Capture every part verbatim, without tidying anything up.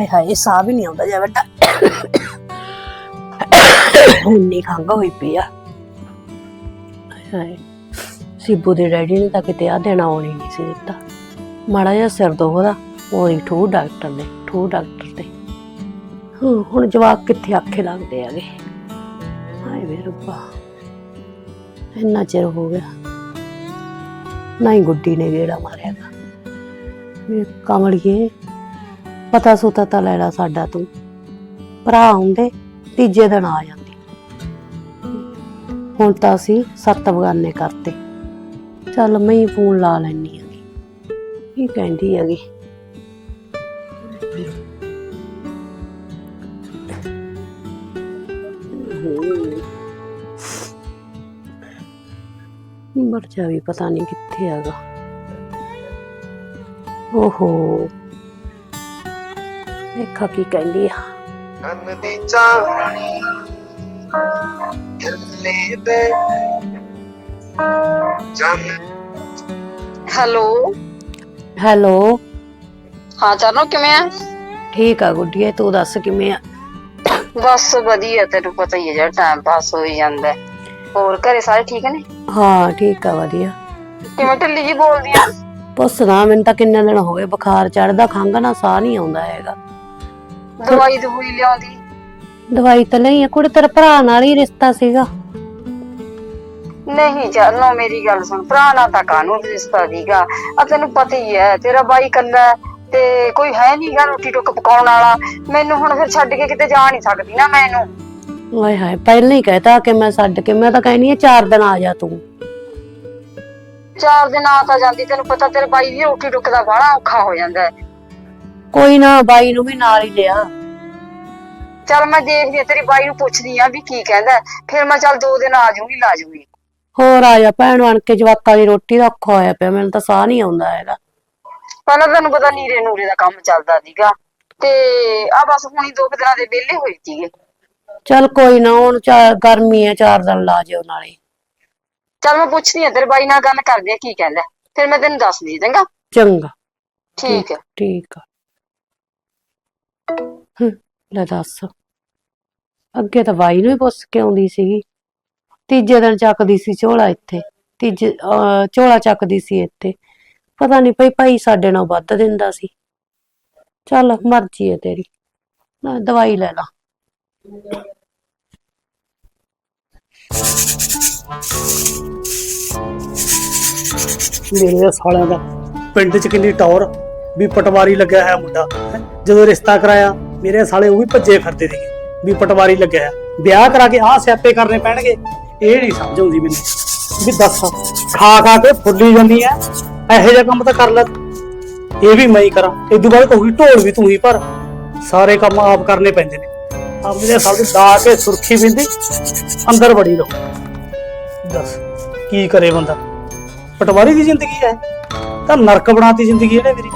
ਹਾਏ ਹਾਏ ਸਾਹ ਵੀ ਨਹੀਂ ਆਉਂਦਾ ਜਾ ਬੇਟਾ ਇੰਨੀ ਖੰਘ ਹੋਈ ਪਈ ਆ ਹਾਏ ਸਿੱਬੂ ਦੇ ਡੈਡੀ ਨੇ ਤਾਂ ਕਿਤੇ ਆ ਦੇਣਾ ਆਉਣੀ ਨਹੀਂ ਸੀ ਦਿੱਤਾ ਮਾੜਾ ਜਿਹਾ ਸਿਰ ਦੁਖਦਾ ਉਹੀ ਠੂ ਡਾਕਟਰ ਨੇ ਠੂ ਡਾਕਟਰ ਤੇ ਹੁਣ ਜਵਾਕ ਕਿੱਥੇ ਆਖੇ ਲੱਗਦੇ ਆਗੇ ਹਾਏ ਵੇ ਰੱਬਾ ਇੰਨਾ ਚਿਰ ਹੋ ਗਿਆ ਨਾ ਹੀ ਗੁੱਡੀ ਨੇ ਗੇੜਾ ਮਾਰਿਆ ਵੇ ਕਮਲੀਏ ਪਤਾ ਸੁਤਾ ਤਾਂ ਲੈਣਾ ਸਾਡਾ ਤੂੰ ਭਰਾ ਹੁੰਦੇ ਤੀਜੇ ਦਿਨ ਆ ਜਾਂਦੀ ਹੁਣ ਤਾਂ ਅਸੀਂ ਸੱਤ ਬਗਾਨੇ ਕਰਤੇ ਚੱਲ ਮੈਂ ਹੀ ਫੋਨ ਲਾ ਲੈਣੀ ਹੈਗੀ ਕੀ ਕਹਿੰਦੀ ਹੈਗੀ ਮਰਜਾ ਵੀ ਪਤਾ ਨਹੀਂ ਕਿੱਥੇ ਹੈਗਾ ਓਹੋ ਦੇਖਾ ਕੀ ਕਹਿੰਦੀ ਆ ਕੰਨ ਦੀ ਚਾਹਣੀ ਢਿੱਲੇ ਦੇ ਜਨ ਹੈਲੋ ਹੈਲੋ ਹਾਂ ਚਰਨੋ ਕਿਵੇਂ ਆ ਠੀਕ ਆ ਗੁੱਡੀਏ ਤੂੰ ਦੱਸ ਕਿਵੇਂ ਆ ਬਸ ਵਧੀਆ ਤੈਨੂੰ ਪਤਾ ਹੀ ਹੈ ਜਿਹੜਾ ਟਾਈਮ ਪਾਸ ਹੋਈ ਜਾਂਦਾ ਹੋਰ ਘਰੇ ਸਾਰੇ ਠੀਕ ਨੇ ਹਾਂ ਠੀਕ ਆ ਵਧੀਆ ਕਿਵੇਂ ਢਿੱਲੀ ਜੀ ਬੋਲਦੀ ਆ ਪੁੱਛਣਾ ਮੈਨੂੰ ਤਾਂ ਕਿੰਨੇ ਦਿਨ ਹੋ ਗਏ ਬੁਖਾਰ ਚੜਦਾ ਖੰਘ ਨਾ ਸਾਹ ਨਹੀਂ ਆਉਂਦਾ ਹੈਗਾ ਦਵਾਈ ਦਵਾਈ ਲਿਆਉਂਦੀ ਦਵਾਈ ਤਾਂ ਲਈ ਆ ਕੁੜੇ ਤੇਰੇ ਭਰਾ ਨਾਲ ਹੀ ਰਿਸ਼ਤਾ ਸੀਗਾ ਨਹੀਂ ਚਰਨੋ ਮੇਰੀ ਗੱਲ ਸੁਣ ਭਰਾ ਨਾਲ ਤਾਂ ਕਾਹਨੂੰ ਰਿਸ਼ਤਾ ਦੀਗਾ ਆ ਤੈਨੂੰ ਪਤਾ ਹੀ ਹੈ ਤੇਰਾ ਬਾਈ ਕੱਲਾ ਤੇ ਕੋਈ ਹੈ ਨਹੀਂਗਾ ਰੋਟੀ ਟੁੱਕ ਪਕਾਉਣ ਵਾਲਾ ਮੈਨੂੰ ਹੁਣ ਫਿਰ ਛੱਡ ਕੇ ਕਿਤੇ ਜਾ ਨਹੀਂ ਸਕਦੀ ਨਾ ਮੈਨੂੰ ਹਾਏ ਹਾਏ ਪਹਿਲਾਂ ਹੀ ਕਹਿਤਾ ਕਿ ਮੈਂ ਛੱਡ ਕੇ ਮੈਂ ਤਾਂ ਕਹਿਨੀ ਆ ਚਾਰ ਦਿਨ ਆ ਜਾ ਤੂੰ ਚਾਰ ਦਿਨ ਆ ਤਾਂ ਜਾਂਦੀ ਤੈਨੂੰ ਪਤਾ ਤੇਰੇ ਬਾਈ ਦੀ ਰੋਟੀ ਟੁੱਕ ਦਾ ਬੜਾ ਔਖਾ ਹੋ ਜਾਂਦਾ ਕੋਈ ਨਾ ਬਾਈ ਨੂੰ ਵੀ ਨਾਲ ਹੀ ਲਿਆ ਚੱਲ ਮੈਂ ਦੇਖਦੀ ਆ ਤੇਰੀ ਬਾਈ ਨੂੰ ਪੁੱਛਦੀ ਆ ਵੀ ਕੀ ਕਹਿੰਦਾ ਫਿਰ ਮੈਂ ਚੱਲ ਦੋ ਦਿਨ ਆ ਜਾਊਂਗੀ ਲਾ ਜਾਊਂਗੀ ਹੋਰ ਆ ਜਾ ਭੈਣ ਬਣ ਕੇ ਜਵਾਕਾਂ ਦੀ ਰੋਟੀ ਦਾ ਔਖਾ ਹੋਇਆ ਪਿਆ ਮੈਨੂੰ ਤਾਂ ਸਾਹ ਨਹੀਂ ਆਉਂਦਾ ਹੈਗਾ ਪਹਿਲਾਂ ਤੈਨੂੰ ਪਤਾ ਨੀਰੇ ਨੂਰੇ ਦਾ ਕੰਮ ਚੱਲਦਾ ਸੀਗਾ ਤੇ ਆ ਬਸ ਹੁਣੀ ਦੋ ਦਿਨਾਂ ਦੇ ਵਿਹਲੇ ਹੋਏ ਸੀਗੇ ਚੱਲ ਕੋਈ ਨਾ ਹੁਣ ਚਾਰ ਗਰਮੀ ਆ ਚਾਰ ਦਿਨ ਲਾ ਜਿਓ ਨਾਲੇ ਚੱਲ ਮੈਂ ਪੁੱਛਦੀ ਆ ਤੇਰੇ ਬਾਈ ਨਾਲ ਗੱਲ ਕਰਦੇ ਆ ਕੀ ਕਹਿੰਦਾ ਫਿਰ ਮੈਂ ਤੈਨੂੰ ਦੱਸਦੀ ਚੰਗਾ ਚੰਗਾ ਠੀਕ ਹੈ ਠੀਕ ਆ ਲੈ ਦੱਸ ਅੱਗੇ ਤਾਂ ਬਾਈ ਨੂੰ ਹੀ ਪੁੱਛ ਕੇ ਆਉਂਦੀ ਸੀਗੀ ਤੀਜੇ ਦਿਨ ਚੱਕਦੀ ਸੀ ਝੋਲਾ ਇੱਥੇ ਤੀਜੇ ਝੋਲਾ ਚੱਕਦੀ ਸੀ ਇੱਥੇ ਪਤਾ ਨਹੀਂ ਪਈ ਭਾਈ ਸਾਡੇ ਨਾਲ ਵੱਧ ਦਿੰਦਾ ਸੀ ਚੱਲ ਮਰਜ਼ੀ ਹੈ ਤੇਰੀ ਨਾ ਦਵਾਈ ਲੈ ਲਾ ਮੇਰੇ ਸਾਲਿਆਂ ਦਾ ਪਿੰਡ 'ਚ ਕਿੰਨੀ ਟੌਰ ਵੀ ਪਟਵਾਰੀ ਲੱਗਿਆ ਹੈ ਮੁੰਡਾ ਜਦੋਂ ਰਿਸ਼ਤਾ ਕਰਾਇਆ ਮੇਰੇ ਸਾਲੇ ਉਹ ਵੀ ਭੱਜੇ ਫਿਰਦੇ ਸੀਗੇ ਵੀ ਪਟਵਾਰੀ ਲੱਗਿਆ ਹੈ ਵਿਆਹ ਕਰਾ ਕੇ ਆਹ ਸਿਆਪੇ ਕਰਨੇ ਪੈਣਗੇ ਇਹ ਨਹੀਂ ਸਮਝ ਆਉਂਦੀ ਮੈਨੂੰ ਵੀ ਦੱਸ ਖਾ ਖਾ ਕੇ ਫੁੱਲੀ ਜਾਂਦੀ ਐ ਇਹੋ ਜਿਹਾ ਕੰਮ ਤਾਂ ਕਰ ਲੈ ਇਹ ਵੀ ਮੈਂ ਹੀ ਕਰਾਂ ਇਦੋਂ ਬਾਅਦ ਕਹੂਗੀ ਢੋਲ ਵੀ ਤੂੰ ਹੀ ਪਰ ਸਾਰੇ ਕੰਮ ਆਪ ਕਰਨੇ ਪੈਂਦੇ ਨੇ ਆਪਣੇ ਸਾਲ ਦਾ ਕੇ ਸੁਰਖੀ ਬਿੰਦੀ ਅੰਦਰ ਵੜੀ ਰਹੋ ਦੱਸ ਕੀ ਕਰੇ ਬੰਦਾ ਪਟਵਾਰੀ ਦੀ ਜ਼ਿੰਦਗੀ ਹੈ ਤਾਂ ਨਰਕ ਬਣਾਤੀ ਜ਼ਿੰਦਗੀ ਇਹਨੇ ਮੇਰੀ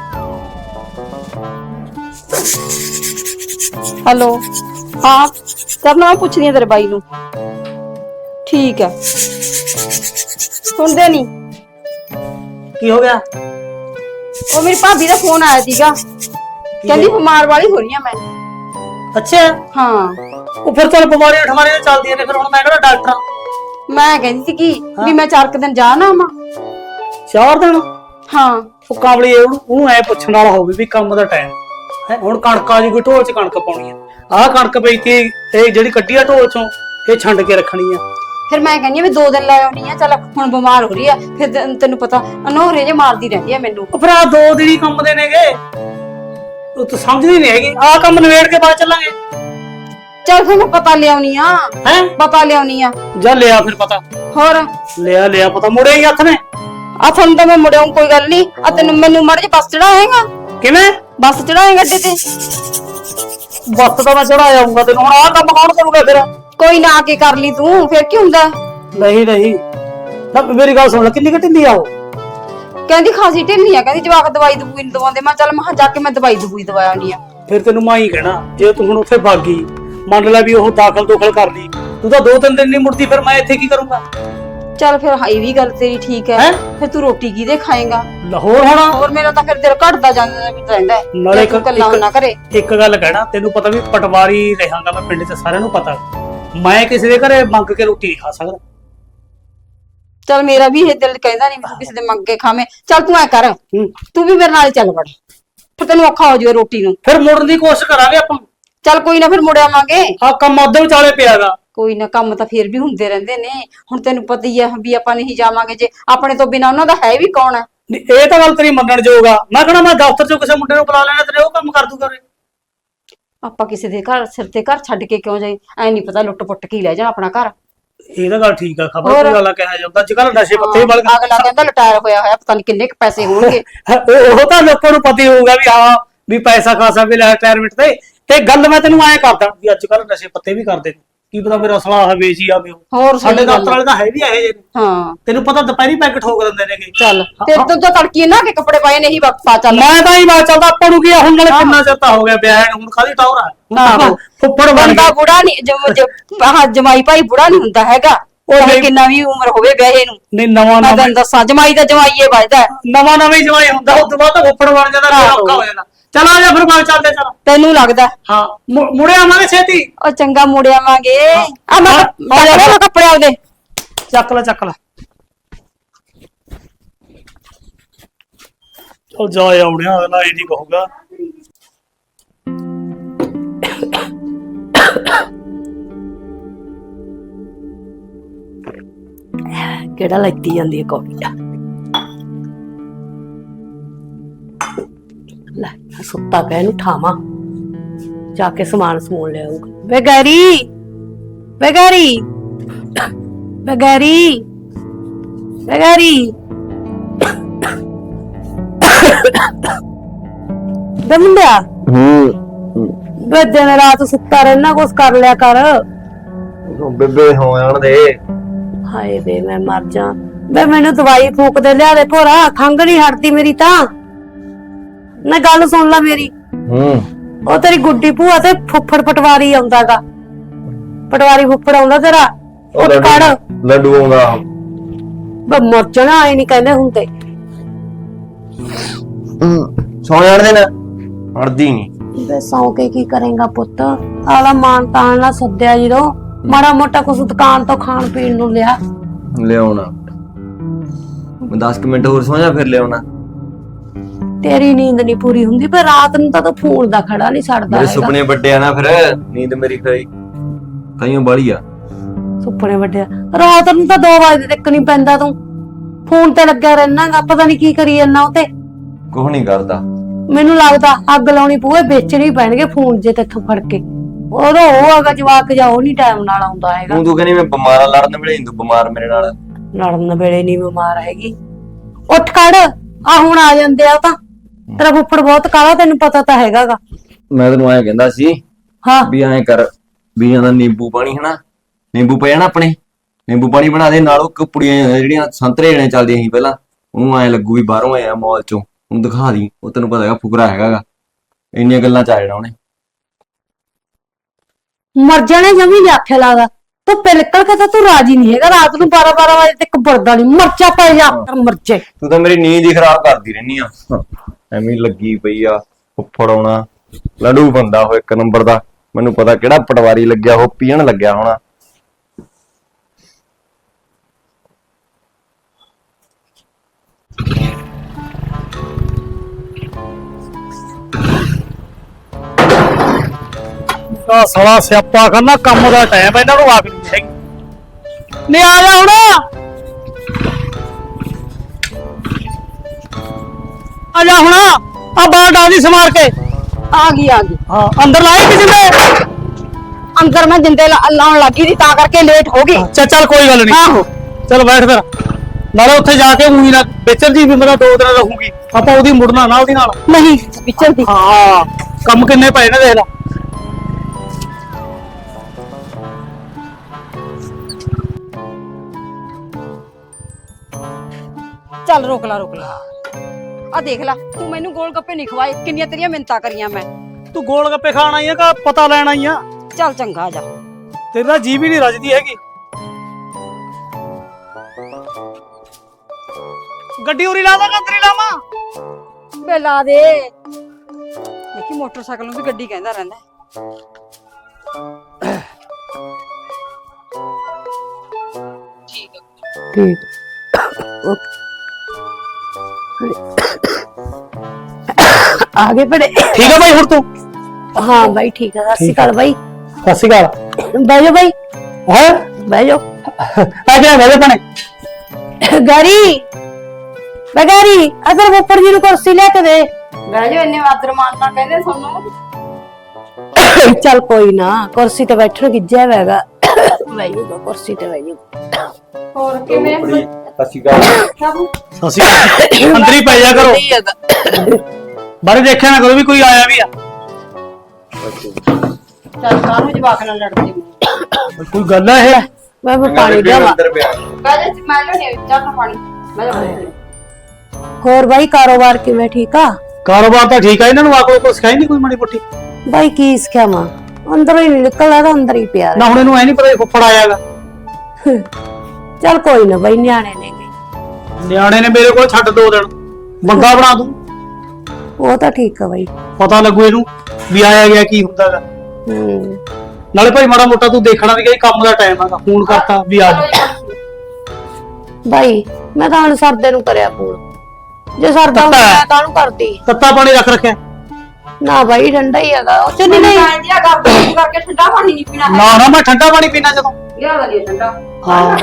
ਹੈਲੋ ਹਾਂ ਕਰਨਾ ਮੈਂ ਪੁੱਛਦੀ ਆ ਤੇਰੇ ਬਾਈ ਨੂੰ ਠੀਕ ਹੈ ਸੁਣਦੇ ਨਹੀਂ ਕੀ ਹੋ ਗਿਆ ਉਹ ਮੇਰੀ ਭਾਬੀ ਦਾ ਫੋਨ ਆਇਆ ਸੀਗਾ ਕਹਿੰਦੀ ਬਿਮਾਰ ਵਾਲੀ ਹੋ ਰਹੀ ਆ ਮੈਂ ਅੱਛਾ ਹਾਂ ਉਹ ਫਿਰ ਚੱਲ ਬਿਮਾਰੀਆਂ ਠਮਾਰੀਆਂ ਚੱਲਦੀਆਂ ਨੇ ਫਿਰ ਹੁਣ ਮੈਂ ਕਿਹੜਾ ਡਾਕਟਰ ਆ ਮੈਂ ਕਹਿੰਦੀ ਸੀ ਕਿ ਵੀ ਮੈਂ ਚਾਰ ਕੁ ਦਿਨ ਜਾ ਨਾ ਆਵਾਂ ਚਾਰ ਦਿਨ ਹਾਂ ਉਹ ਕਾਬਲੀ ਉਹਨੂੰ ਉਹਨੂੰ ਐ ਪੁੱਛਣ ਵਾਲਾ ਹੋਵੇ ਵੀ ਕੰਮ ਦਾ ਟਾਈਮ ਹੈ ਹੁਣ ਕਣਕ ਆ ਜੀ ਕੋਈ ਢੋਲ 'ਚ ਕਣਕ ਪਾਉਣੀ ਆ ਆਹ ਕਣਕ ਪਈ ਤੀ ਇਹ ਜਿਹੜੀ ਕੱਢੀ ਆ ਢੋਲ 'ਚੋਂ ਇਹ ਛੰਡ ਕੇ ਰੱਖਣੀ ਆ ਫਿਰ ਮੈਂ ਕਹਿੰਦੀ ਆ ਵੀ ਦੋ ਦਿਨ ਲੈ ਆਉਣੀ ਆ ਚੱਲ ਹੁਣ ਬਿਮਾਰ ਹੋ ਰਹੀ ਆ ਫਿਰ ਤੈਨੂੰ- ਤੈਨੂੰ ਪਤਾ ਅਨੋਹਰੇ ਜੇ ਮਾਰਦੀ ਰਹਿੰਦੀ ਆ ਮੈਨੂੰ ਉਹ ਫਿਰ ਆ ਦੋ ਦਿਨ ਹੀ ਕੰਮ ਦੇ ਨੇਗੇ ਉਹ ਤੂੰ ਸਮਝਦੀ ਨਹੀਂ ਹੈਗੀ ਆਹ ਕੰਮ ਨਵੇੜ ਕੇ ਬਾਅਦ ਚੱਲਾਂਗੇ ਚੱਲ ਫਿਰ ਮੈਂ ਪਤਾ ਲਿਆਉਣੀ ਆ ਹੈ ਪਤਾ ਲਿਆਉਣੀ ਆ ਜਾ ਲਿਆ ਫਿਰ ਪਤਾ ਹੋਰ ਲਿਆ ਲਿਆ ਪਤਾ ਮੁੜੇ ਹੀ ਹੱਥ ਨੇ ਆ ਤੁਹਾਨੂੰ ਤਾਂ ਮੈਂ ਮੁੜਿਆ ਕੋਈ ਗੱਲ ਨਹੀਂ ਆ ਤੈਨੂੰ ਮੈਨੂੰ ਮੜ ਜੇ ਬੱਸ ਚੜਾਏਗਾ ਕਿਵੇਂ ਬੱਸ ਚੜਾਏਗਾ ਅੱਡੇ ਤੇ ਬੱਸ ਤਾਂ ਮੈਂ ਚੜਾ ਜਾਊਂਗਾ ਤੈਨੂੰ ਹੁਣ ਆਹ ਕੰਮ ਕੌਣ ਕਰੂਗਾ ਫਿਰ ਕੋਈ ਨਾ ਆ ਕੇ ਕਰ ਲਈ ਤੂੰ ਫਿਰ ਕੀ ਹੁੰਦਾ ਨਹੀਂ ਨਹੀਂ ਨਾ ਮੇਰੀ ਗੱਲ ਸੁਣ ਲੈ ਕਿੰਨੀ ਘਟਿੰਦੀ ਆ ਉਹ ਕਹਿੰਦੀ ਖਾਸੀ ਢਿੱਲੀ ਆ ਕਹਿੰਦੀ ਜਵਾਕ ਦਵਾਈ ਦਵਾਈ ਨਹੀਂ ਦਵਾਉਂਦੇ ਮੈਂ ਚੱਲ ਮੈਂ ਜਾ ਕੇ ਮੈਂ ਦਵਾਈ ਦਵਾਈ ਦਵਾ ਆਉਣੀ ਆ ਫਿਰ ਤੈਨੂੰ ਮੈਂ ਹੀ ਕਹਿਣਾ ਜੇ ਤੂੰ ਹੁਣ ਉੱਥੇ ਭੱਗ ਗਈ ਮੰਨ ਲੈ ਵੀ ਉਹ ਦਾਖਲ ਦੋਖਲ ਕਰ ਲਈ ਤੂੰ ਤਾਂ ਦੋ ਤਿੰਨ ਦਿਨ ਨਹੀਂ ਮੁੜਦੀ ਫਿਰ ਮੈਂ ਇੱਥੇ ਕੀ ਕਰੂੰਗਾ ਚੱਲ ਫਿਰ ਹਾਈ ਵੀ ਗੱਲ ਤੇਰੀ ਠੀਕ ਹੈ। ਹੈਂ? ਫਿਰ ਤੂੰ ਰੋਟੀ ਕਿਹਦੇ ਖਾਏਗਾ? ਲਾਹੌਰ ਹੋਣਾ। ਹੋਰ ਮੇਰਾ ਤਾਂ ਫਿਰ ਦਿਲ ਘਟਦਾ ਜਾਂਦਾ ਰਹਿੰਦਾ ਹੈ। ਨਾਲੇ ਜੇ ਤੂੰ ਇਕੱਲਾ ਨਾ ਕਰੇ। ਇੱਕ ਗੱਲ ਕਹਿਣਾ, ਤੈਨੂੰ ਪਤਾ ਵੀ ਪਟਵਾਰੀ ਰਹਾਂਗਾ ਮੈਂ ਪਿੰਡ 'ਚ, ਸਾਰਿਆਂ ਨੂੰ ਪਤਾ ਮੈਂ ਕਿਸੇ ਦੇ ਘਰੇ ਮੰਗ ਕੇ ਰੋਟੀ ਨਹੀਂ ਖਾ ਸਕਦਾ। ਚੱਲ ਮੇਰਾ ਵੀ ਇਹ ਦਿਲ ਕਹਿੰਦਾ ਨਹੀਂ ਤੂੰ ਕਿਸੇ ਦੇ ਮੰਗ ਕੇ ਖਾਵੇਂ। ਚੱਲ ਤੂੰ ਐ ਕਰ, ਹੂੰ। ਤੂੰ ਵੀ ਮੇਰੇ ਨਾਲ ਚੱਲ ਵੜ, ਫਿਰ ਤੈਨੂੰ ਔਖਾ ਹੋ ਜਾਵੇ ਰੋਟੀ ਨੂੰ। ਫਿਰ ਮੁੜਨ ਦੀ ਕੋਸ਼ਿਸ਼ ਕਰਾਂਗੇ ਆਪਾਂ। ਚੱਲ ਕੋਈ ਨਾ, ਫਿਰ ਮੁੜ ਆਵਾਂਗੇ। ਆ ਕੰਮ ਅੱਧੇ ਵਿਚਾਲੇ ਪਿਆਗਾ। ਕੋਈ ਨਾ, ਕੰਮ ਤਾਂ ਫਿਰ ਵੀ ਹੁੰਦੇ ਰਹਿੰਦੇ ਨੇ। ਹੁਣ ਤੈਨੂੰ ਪਤਾ ਹੀ ਹੈ ਵੀ ਆਪਾਂ ਨਹੀਂ ਜਾਵਾਂਗੇ ਜੇ ਆਪਣੇ ਤੋਂ ਬਿਨਾ, ਉਹਨਾਂ ਦਾ ਹੈ ਵੀ ਕੌਣ ਹੈ। ਇਹ ਤਾਂ ਗੱਲ ਤੇਰੀ ਮੰਨਣ ਯੋਗ ਆ। ਮੈਂ ਕਹਣਾ ਮੈਂ ਦਫ਼ਤਰ 'ਚੋਂ ਕਿਸੇ ਮੁੰਡੇ ਨੂੰ ਬੁਲਾ ਲੈਣਾ, ਤੇਰੇ ਉਹ ਕੰਮ ਕਰ ਦੂਗਾ। ਆਪਾਂ ਕਿਸੇ ਦੇ ਘਰ ਸਿਰ ਤੇ ਘਰ ਛੱਡ ਕੇ ਕਿਉਂ ਜਾਈ? ਐ ਨਹੀਂ ਪਤਾ ਲੁੱਟ ਪੁੱਟ ਕੇ ਹੀ ਲੈ ਜਾ ਆਪਣਾ ਘਰ। ਇਹ ਤਾਂ ਗੱਲ ਠੀਕ ਆ। ਖਬਰ ਹੋਰ? ਕੋਈ ਗੱਲ ਕਿਹਾ ਜਾਂਦਾ ਅੱਜ ਕੱਲ ਨਸ਼ੇ ਪੱਤੇ ਬਲ ਅਗਲਾ ਕਹਿੰਦਾ ਲਟਾਇਰ ਹੋਇਆ ਹੋਇਆ, ਪਤਾ ਨਹੀਂ ਕਿੰਨੇ ਕੁ ਪੈਸੇ ਹੋਣਗੇ। ਉਹ ਤਾਂ ਲੋਕਾਂ ਨੂੰ ਪਤਾ ਹੀ ਹੋਊਗਾ ਵੀ ਹਾਂ ਵੀ ਪੈਸਾ ਖਾਸਾ ਵੀ ਲੈ ਰਿਟਾਇਰਮੈਂਟ ਤੇ। ਤੇ ਗੱਲ ਮੈਂ ਤੈਨੂੰ ਐਂ ਕਰਦਾ ਵੀ ਅੱਜ ਕੱਲ ਨਸ਼ੇ ਪੱਤੇ ਵੀ ਕਰਦੇ ਨੇ, ਕੀ ਪਤਾ ਮੇਰਾ ਸਲਾਹ ਵੇਚ ਹੀ ਆਵੇ। ਹੋਰ ਸਾਡੇ ਸਹੀ ਗੱਲ ਦਫ਼ਤਰ ਵਾਲੇ ਤਾਂ ਹੈ ਵੀ ਇਹੋ ਜਿਹੇ ਨੇ। ਹਾਂ ਤੈਨੂੰ ਪਤਾ ਦੁਪਹਿਰੀ ਪੈਕ ਠੋਕ ਦਿੰਦੇ ਨੇਗੇ। ਚੱਲ ਤੇ ਤੂੰ ਤਾਂ ਤੜਕੀ ਨਾ ਕਿ ਕੱਪੜੇ ਪਾਏ ਨਹੀਂ ਪਾ ਚੱਲ। ਮੈਂ ਤਾਂ ਹੀ ਬਾਤ ਚੱਲਦਾ, ਆਪਾਂ ਨੂੰ ਕੀ ਆ, ਹੁਣ ਨਾਲੇ ਕਿੰਨਾ ਚਿਰ ਤਾਂ ਹੋ ਗਿਆ ਵਿਆਹ ਨੂੰ, ਹੁਣ ਖਾਲੀ ਟੌਰ ਆ। ਆਹੋ। ਫੁੱਫੜ ਬਣ ਬੰਦਾ ਗਿਆ। ਬੁੜਾ ਨਹੀਂ, ਆਹ ਜਮਾਈ ਭਾਈ ਬੁੜਾ ਨਹੀਂ ਹੁੰਦਾ ਹੈਗਾ। ਉਹ ਨਹੀਂ। ਕਿੰਨਾ ਵੀ ਉਮਰ ਹੋਵੇ ਵਿਆਹੇ ਨੂੰ। ਨਹੀਂ ਨਵਾਂ ਮੈਂ ਨਵਾਂ ਤੈਨੂੰ ਦੱਸਾਂ, ਜਮਾਈ ਦਾ ਜਮਾਈਏ ਵੱਜਦਾ। ਨਵਾਂ ਨਵਾਂ ਹੀ ਜਵਾਈ ਹੁੰਦਾ, ਉਸ ਤੋਂ ਬਾਅਦ ਤਾਂ ਫੁੱਫੜ ਬਣ ਜਾਂਦਾ, ਫਿਰ ਔਖਾ ਹੋ ਜਾਂਦਾ। ਚਲ ਆ ਜਾ ਫਿਰ ਬਾਅਦ ਚੱਲਦੇ। ਚੱਲ ਤੈਨੂੰ ਲੱਗਦਾ? ਹਾਂ ਮੁ- ਮੁੜੇ ਆਵਾਂਗੇ ਛੇਤੀ। ਉਹ ਚੰਗਾ ਮੁੜ ਆਵਾਂਗੇ। ਆ ਮੈਂ ਹਾਂ, ਆ ਜਾ ਮੈਂ ਕੱਪੜੇ ਆਉਦੇ ਚੱਕ ਲੈ ਚੱਕ ਲੈ। ਉਹ ਜਾ ਆਉਣਿਆ, ਅਗਲਾ ਇਹ ਨਹੀਂ ਕਹੂਗਾ। ਕਿਹੜਾ ਲੱਗੀ ਜਾਂਦੀ ਹੈ ਕੌੜੀ ਆ। ਲੈ ਮੈਂ ਸੁੱਤਾ ਪਿਆ, ਇਹਨੂੰ ਠਾਵਾਂ, ਜਾ ਕੇ ਸਮਾਨ ਸਮੂਨ ਲੈ ਆਊਗਾ। ਵੇ ਗੈਰੀ, ਵੇ ਗੈਰੀ, ਵੇ ਗੈਰੀ, ਵੇ ਗੈਰੀ, ਵੇ ਮੁੰਡਿਆ। ਵੇ ਦਿਨ ਰਾਤ ਸੁੱਤਾ ਰਹਿਣਾ, ਕੁਛ ਕਰ ਲਿਆ ਕਰ। ਬੇਬੇ ਹੋ ਜਾਣ ਦੇ। ਹਾਏ ਵੇ ਮੈਂ ਮਰ ਜਾ। ਵੇ ਮੈਨੂੰ ਦਵਾਈ ਫੂਕ ਦੇ ਲਿਆ ਦੇ ਭੋਰਾ, ਖੰਘ ਨਹੀਂ ਹਟਦੀ ਮੇਰੀ ਤਾਂ। ਨਾ ਗੱਲ ਸੁਣ ਲੈ ਮੇਰੀ। ਹੂੰ ਉਹ ਤੇਰੀ ਗੁੱਡੀ ਭੂਆ ਤੇ ਫੁੱਫੜ ਪਟਵਾਰੀ ਆਉਂਦਾਗਾ। ਪਟਵਾਰੀ ਫੁੱਫੜ ਆਉਂਦਾ ਤੇਰਾ। ਉਹ ਕੜ ਲੱਡੂ ਆਉਂਦਾ। ਵੇ ਮਰ ਜਾਣਾ, ਆਏ ਨਹੀਂ ਕਹਿੰਦੇ ਹੁੰਦੇ। ਸੌ ਜਾਣ ਦੇ ਨਾ, ਅੜਦੀ ਨਹੀਂ। ਵੇ ਸੌ ਕੇ ਕੀ ਕਰੇਗਾ ਪੁੱਤ? ਆਲਾ ਮਾਨ ਤਾਨ ਨਾਲ ਸੱਦਿਆ ਜਦੋਂ, ਮਾੜਾ ਮੋਟਾ ਕੁਛ ਦੁਕਾਨ ਤੋਂ ਖਾਣ ਪੀਣ ਨੂੰ ਲਿਆ। ਲਿਆਉਣਾ ਮੈਂ ਦਸ ਮਿੰਟ ਹੋਰ ਸੌ ਜਾ, ਫਿਰ ਲਿਆਉਣਾ। ਤੇਰੀ ਨੀਂਦ ਨਹੀਂ ਪੂਰੀ ਹੁੰਦੀ, ਪਰ ਰਾਤ ਨੂੰ ਤਾਂ ਤੂੰ ਫੋਨ ਦਾ ਖੜਾ ਨਹੀਂ ਛੱਡਦਾ ਮੇਰੇ ਹੈਗਾ। ਸੁਪਨੇ ਵੱਡੇ ਆ ਨਾ, ਫਿਰ ਨੀਂਦ ਮੇਰੀ ਖਾਈ ਤਾਈਓ ਬਾਲੀ ਆ। ਸੁਪਨੇ ਵੱਡੇ ਰਾਤ ਨੂੰ ਤਾਂ ਦੋ ਵਜੇ ਤੱਕ ਨਹੀਂ ਪੈਂਦਾ, ਤੂੰ ਫੋਨ ਤੇ ਲੱਗਿਆ ਰਹਿਣਾਗਾ। ਪਤਾ ਨਹੀਂ ਕੀ ਕਰੀ ਜਾਂਦਾ ਉਤੇ। ਕੁਝ ਨਹੀਂ ਕਰਦਾ। ਮੈਨੂੰ ਲੱਗਦਾ ਅੱਗ ਲਾਉਣੀ ਪੂਏ, ਵੇਚਣੀ ਪੈਣਗੇ ਫੋਨ ਜੇ ਤੇਥੋਂ ਫੜ ਕੇ। ਉਹਦਾ ਉਹ ਹੈਗਾ ਜਵਾਕ ਜਾ, ਉਹ ਨਹੀਂ ਟਾਈਮ ਨਾਲ ਆਉਂਦਾ ਹੈਗਾ। ਤੂੰ ਤੂੰ ਕਹਿੰਦੀ ਮੈਂ ਬਿਮਾਰ ਲੜਨ ਵੇਲੇ ਤੂੰ ਬਿਮਾਰ ਮੇਰੇ ਨਾਲ। ਲੜਨ ਵੇਲੇ ਨਹੀਂ ਬਿਮਾਰ ਹੈਗੀ। ਉੱਠ ਖੜ, ਆ ਹੁਣ ਆ ਜਾਂਦੇ ਆ। ਉਹ ਤਾਂ ਤੇਰਾ ਫੁੱਫੜ ਬਹੁਤ ਕਾਲਾ, ਤੈਨੂੰ ਪਤਾ ਤਾਂ ਹੈਗਾਗਾ। ਮੈਂ ਤੈਨੂੰ ਐਂ ਕਹਿੰਦਾ ਸੀ ਹਾਂ ਵੀ ਐਂ ਕਰ, ਬੀਆਂ ਦਾ ਨਿੰਬੂ ਪਾਣੀ ਹਨਾ, ਨਿੰਬੂ ਪਿਆ ਨਾ ਆਪਣੇ, ਨਿੰਬੂ ਪਾਣੀ ਬਣਾ ਦੇ। ਨਾਲ ਉਹ ਕੁਪੜੀਆਂ ਜਿਹੜੀਆਂ ਸੰਤਰੇ ਜਿਹੜੇ ਚੱਲਦੀਆਂ ਸੀ ਪਹਿਲਾਂ, ਉਹਨੂੰ ਐਂ ਲੱਗੂ ਵੀ ਬਾਹਰੋਂ ਆਇਆ ਮਾਲ ਚੋਂ, ਉਹਨੂੰ ਦਿਖਾ ਦੀ। ਉਹ ਤੈਨੂੰ ਪਤਾ ਹੈਗਾ ਫੁਕਰਾ ਹੈਗਾਗਾ, ਇੰਨੀਆਂ ਗੱਲਾਂ ਚ ਆ ਜਾਣਾ ਉਹਨੇ। ਮਰ ਜਾਣੇ ਜਮੀ ਨੀ ਆਖਿਆ ਲੱਗਦਾ। ਧੁੱਪੇ ਨਿਕਲ ਕੇ ਤਾਂ ਤੂੰ ਰਾਜੀ ਨਹੀਂ ਹੈਗਾ। ਰਾਤ ਨੂੰ ਬਾਰਾਂ ਬਾਰਾਂ ਵਜੇ ਤੱਕ ਵਰਦਾ ਨਹੀਂ। ਮਰਚਾ ਪੈ ਜਾ ਮਰਚੇ। ਤੂੰ ਤਾਂ ਮੇਰੀ ਨੀਂਦ ਹੀ ਖਰਾਬ ਕਰਦੀ ਰਹਿਨੀ ਆ। ਐਵੇਂ ਹੀ ਲੱਗੀ ਪਈ ਆ। ਫੁੱਫੜ ਆਉਣਾ, ਲੜੂ ਬੰਦਾ ਹੋ ਇੱਕ ਨੰਬਰ ਦਾ। ਮੈਨੂੰ ਪਤਾ ਕਿਹੜਾ ਪਟਵਾਰੀ ਲੱਗਿਆ, ਉਹ ਪੀਣ ਲੱਗਿਆ ਹੋਣਾ। ਆ ਸਾਲਾ ਸਿਆਪਾ ਕਰਨਾ, ਕੰਮ ਦਾ ਟਾਈਮ ਇਹਨਾਂ ਨੂੰ ਆਖ ਨਹੀਂ ਹੈਗੀ। ਨਹੀਂ ਆ ਜਾ ਹੁਣ। ਆ ਜਾ ਹੁਣ, ਆ ਬਾਹਰ ਡਾਦੀ ਸਮਾਰ ਕੇ। ਆ ਗਈ ਆ ਗਈ। ਹਾਂ ਅੰਦਰ ਲਾਏ ਕਿਸੇ ਨੇ। ਅੰਦਰ ਮੈਂ ਜਿੰਦੇ ਲਾ- ਲਾਉਣ ਲੱਗੀ ਸੀ, ਤਾਂ ਕਰਕੇ ਲੇਟ ਹੋ ਗਈ। ਚੱਲ ਚੱਲ ਕੋਈ ਗੱਲ ਨਹੀਂ। ਆਹੋ ਚੱਲ ਬੈਠ ਫਿਰ। ਨਾਲੇ ਉੱਥੇ ਜਾ ਕੇ ਉਹੀ ਨਾ ਵਿਚਰ ਜੀ ਵੀ ਮੇਰਾ ਦੋ ਦਿਨ ਰਹੂਗੀ, ਆਪਾਂ ਉਹਦੀ ਮੁੜਨਾ ਨਾ ਉਹਦੀ ਨਾਲ। ਨਹੀਂ ਵਿਚਰਦੀ। ਹਾਂ ਕੰਮ ਕਿੰਨੇ ਪਏ ਨੇ ਦੇਖ ਲੈ। ਚੱਲ ਰੋਕ ਲਾ ਰੋਕ ਲਾ। ਆ ਦੇਖ ਲੈ, ਤੂੰ ਮੈਨੂੰ ਗੋਲ ਗੱਪੇ ਨਹੀਂ ਖਵਾਏ, ਕਿੰਨੀਆਂ ਤੇਰੀਆਂ ਮਿੰਤਾਂ ਕਰੀਆਂ ਮੈਂ। ਤੂੰ ਗੋਲ ਗੱਪੇ ਖਾਣ ਆਈ ਆ ਕਿ ਪਤਾ ਲੈਣ ਆਈ ਆ? ਚੱਲ ਚੰਗਾ ਜਾ। ਤੇਰਾ ਜੀ ਵੀ ਨਹੀਂ ਰਜਦੀ ਹੈਗੀ। ਗੱਡੀ ਉਰੀ ਲਾ ਦਾਂਗਾ ਅੰਦਰ ਹੀ ਲਾਵਾਂ। ਬੇ ਲਾ ਦੇ ਦੇਖੀ ਮੋਟਰਸਾਈਕਲ ਨੂੰ ਵੀ ਗੱਡੀ ਕਹਿੰਦਾ ਰਹਿੰਦਾ। ਠੀਕ ਆਗੇ ਬੜੇ ਠੀਕ ਹੈ ਬਾਈ ਹੁਣ ਤੂੰ? ਹਾਂ ਬਾਈ ਠੀਕ ਹੈ। ਸਤਿ ਸ਼੍ਰੀ ਅਕਾਲ ਬਾਈ। ਸਤਿ ਸ਼੍ਰੀ ਅਕਾਲ। ਬਹਿ ਜਾ ਬਾਈ, ਹੈ ਬਹਿ ਜਾ। ਆ ਗਿਆ ਮੇਰੇ ਭਣੇ ਗਾਰੀ ਬਗਾਰੀ ਅਦਰ ਉੱਪਰ ਜੀ ਨੂੰ ਕੁਰਸੀ ਲੈ ਕੇ ਦੇ। ਬਹਿ ਜਾ, ਇੰਨੇ ਆਦਰ ਮਾਨ ਨਾਲ ਕਹਿੰਦੇ ਤੁਹਾਨੂੰ। ਚੱਲ ਕੋਈ ਨਾ, ਕੁਰਸੀ ਤੇ ਬੈਠਣ ਗਿੱਜਿਆ ਹੈਗਾ। ਬਹਿ ਜਾ ਕੁਰਸੀ ਤੇ, ਬਹਿ ਜਾ। ਹੋਰ ਕਿਵੇਂ ਸਤਿ ਸ਼੍ਰੀ ਅਕਾਲ। ਸਤਿ ਸ਼੍ਰੀ ਅਕਾਲ। ਅੰਦਰ ਹੀ ਪੈ ਜਾ ਕਰੋ, ਬਾਰੇ ਦੇਖਿਆ ਨਾ ਕਰੋ ਵੀ ਕੋਈ ਆਇਆ ਵੀ ਆ। ਚੱਲ ਕਾਹਨੂੰ ਜਵਾਕ ਨਾਲ ਲੜਦੇ ਹੋ? ਕੋਈ ਗੱਲ ਹੈ ਇਹ? ਮੈਂ ਵੀ ਪਾਣੀ ਦੇਵਾਂ। ਅੰਦਰ ਪਿਆ ਬਹਿ ਜਾ, ਮੈਂ ਲੈਣੇ ਚਾਹ ਪਾਣੀ। ਬਹਿ ਜਾ। ਹੋਰ ਬਾਈ ਕਾਰੋਬਾਰ ਕਿਵੇਂ? ਠੀਕ ਆ? ਕਾਰੋਬਾਰ ਤਾਂ ਠੀਕ ਆ, ਇਹਨਾਂ ਨੂੰ ਆਕੋ ਕੋਈ ਸਿਖਾਈ ਨਹੀਂ ਕੋਈ ਮਾੜੀ ਮੋਟੀ। ਬਾਈ ਕੀ ਸਿੱਖਿਆ ਮਾਂ, ਅੰਦਰੋਂ ਹੀ ਨੀ ਨਿਕਲਦਾ ਤਾਂ ਅੰਦਰ ਹੀ ਪਿਆ ਨਾ ਹੁਣ ਇਹਨੂੰ ਐ ਨਹੀਂ ਪਤਾ ਫੁੱਫੜ ਆਇਆਗਾ। ਚੱਲ ਕੋਈ ਨਾ ਬਾਈ, ਨਿਆਣੇ ਨੇ ਨਿਆਣੇ ਨੇ ਮੇਰੇ ਕੋਲ ਛੱਡ ਦੋ ਦਿਨ, ਬੰਗਾ ਬਣਾ ਦੂੰ। ਉਹ ਤਾਂ ਠੀਕ ਆ ਬਾਈ। ਪਤਾ ਲੱਗੂ ਇਹਨੂੰ ਵੀ ਆਇਆ ਗਿਆ ਕੀ ਹੁੰਦਾਗਾ। ਹੂੰ ਨਾਲੇ ਭਾਈ ਮਾੜਾ ਮੋਟਾ ਤੂੰ ਦੇਖਣਾ ਵੀ ਕਿ ਕੰਮ ਦਾ ਟਾਈਮ ਹੈਗਾ, ਫੋਨ ਕਰਤਾ ਵੀ ਆ ਜਾ। ਬਾਈ ਮੈਂ ਤਾਂ ਹੁਣ ਸਰਦੇ ਨੂੰ ਕਰਿਆ ਫੋਨ, ਜੇ ਸਰਦਾ ਹੁੰਦਾ ਮੈਂ ਕਾਹਨੂੰ ਕਰਦੀ। ਤੱਤਾ ਪਾਣੀ ਰੱਖ ਰੱਖਿਆ? ਨਾ ਬਾਈ ਠੰਡਾ ਹੀ ਹੈਗਾ, ਉਹ ਚ ਨਹੀਂ ਨਹੀਂ ਨਹੀਂ ਜਿਹੜਾ ਗੱਲ ਕਰਕੇ ਠੰਡਾ ਪਾਣੀ ਨਹੀਂ ਪੀਣਾ। ਨਾ ਨਾ ਮੈਂ ਠੰਡਾ ਪਾਣੀ ਪੀਣਾ ਜਦੋਂ। ਲਿਆ ਦਾ ਲਿਆ ਠੰਡਾ। ਹਾਂ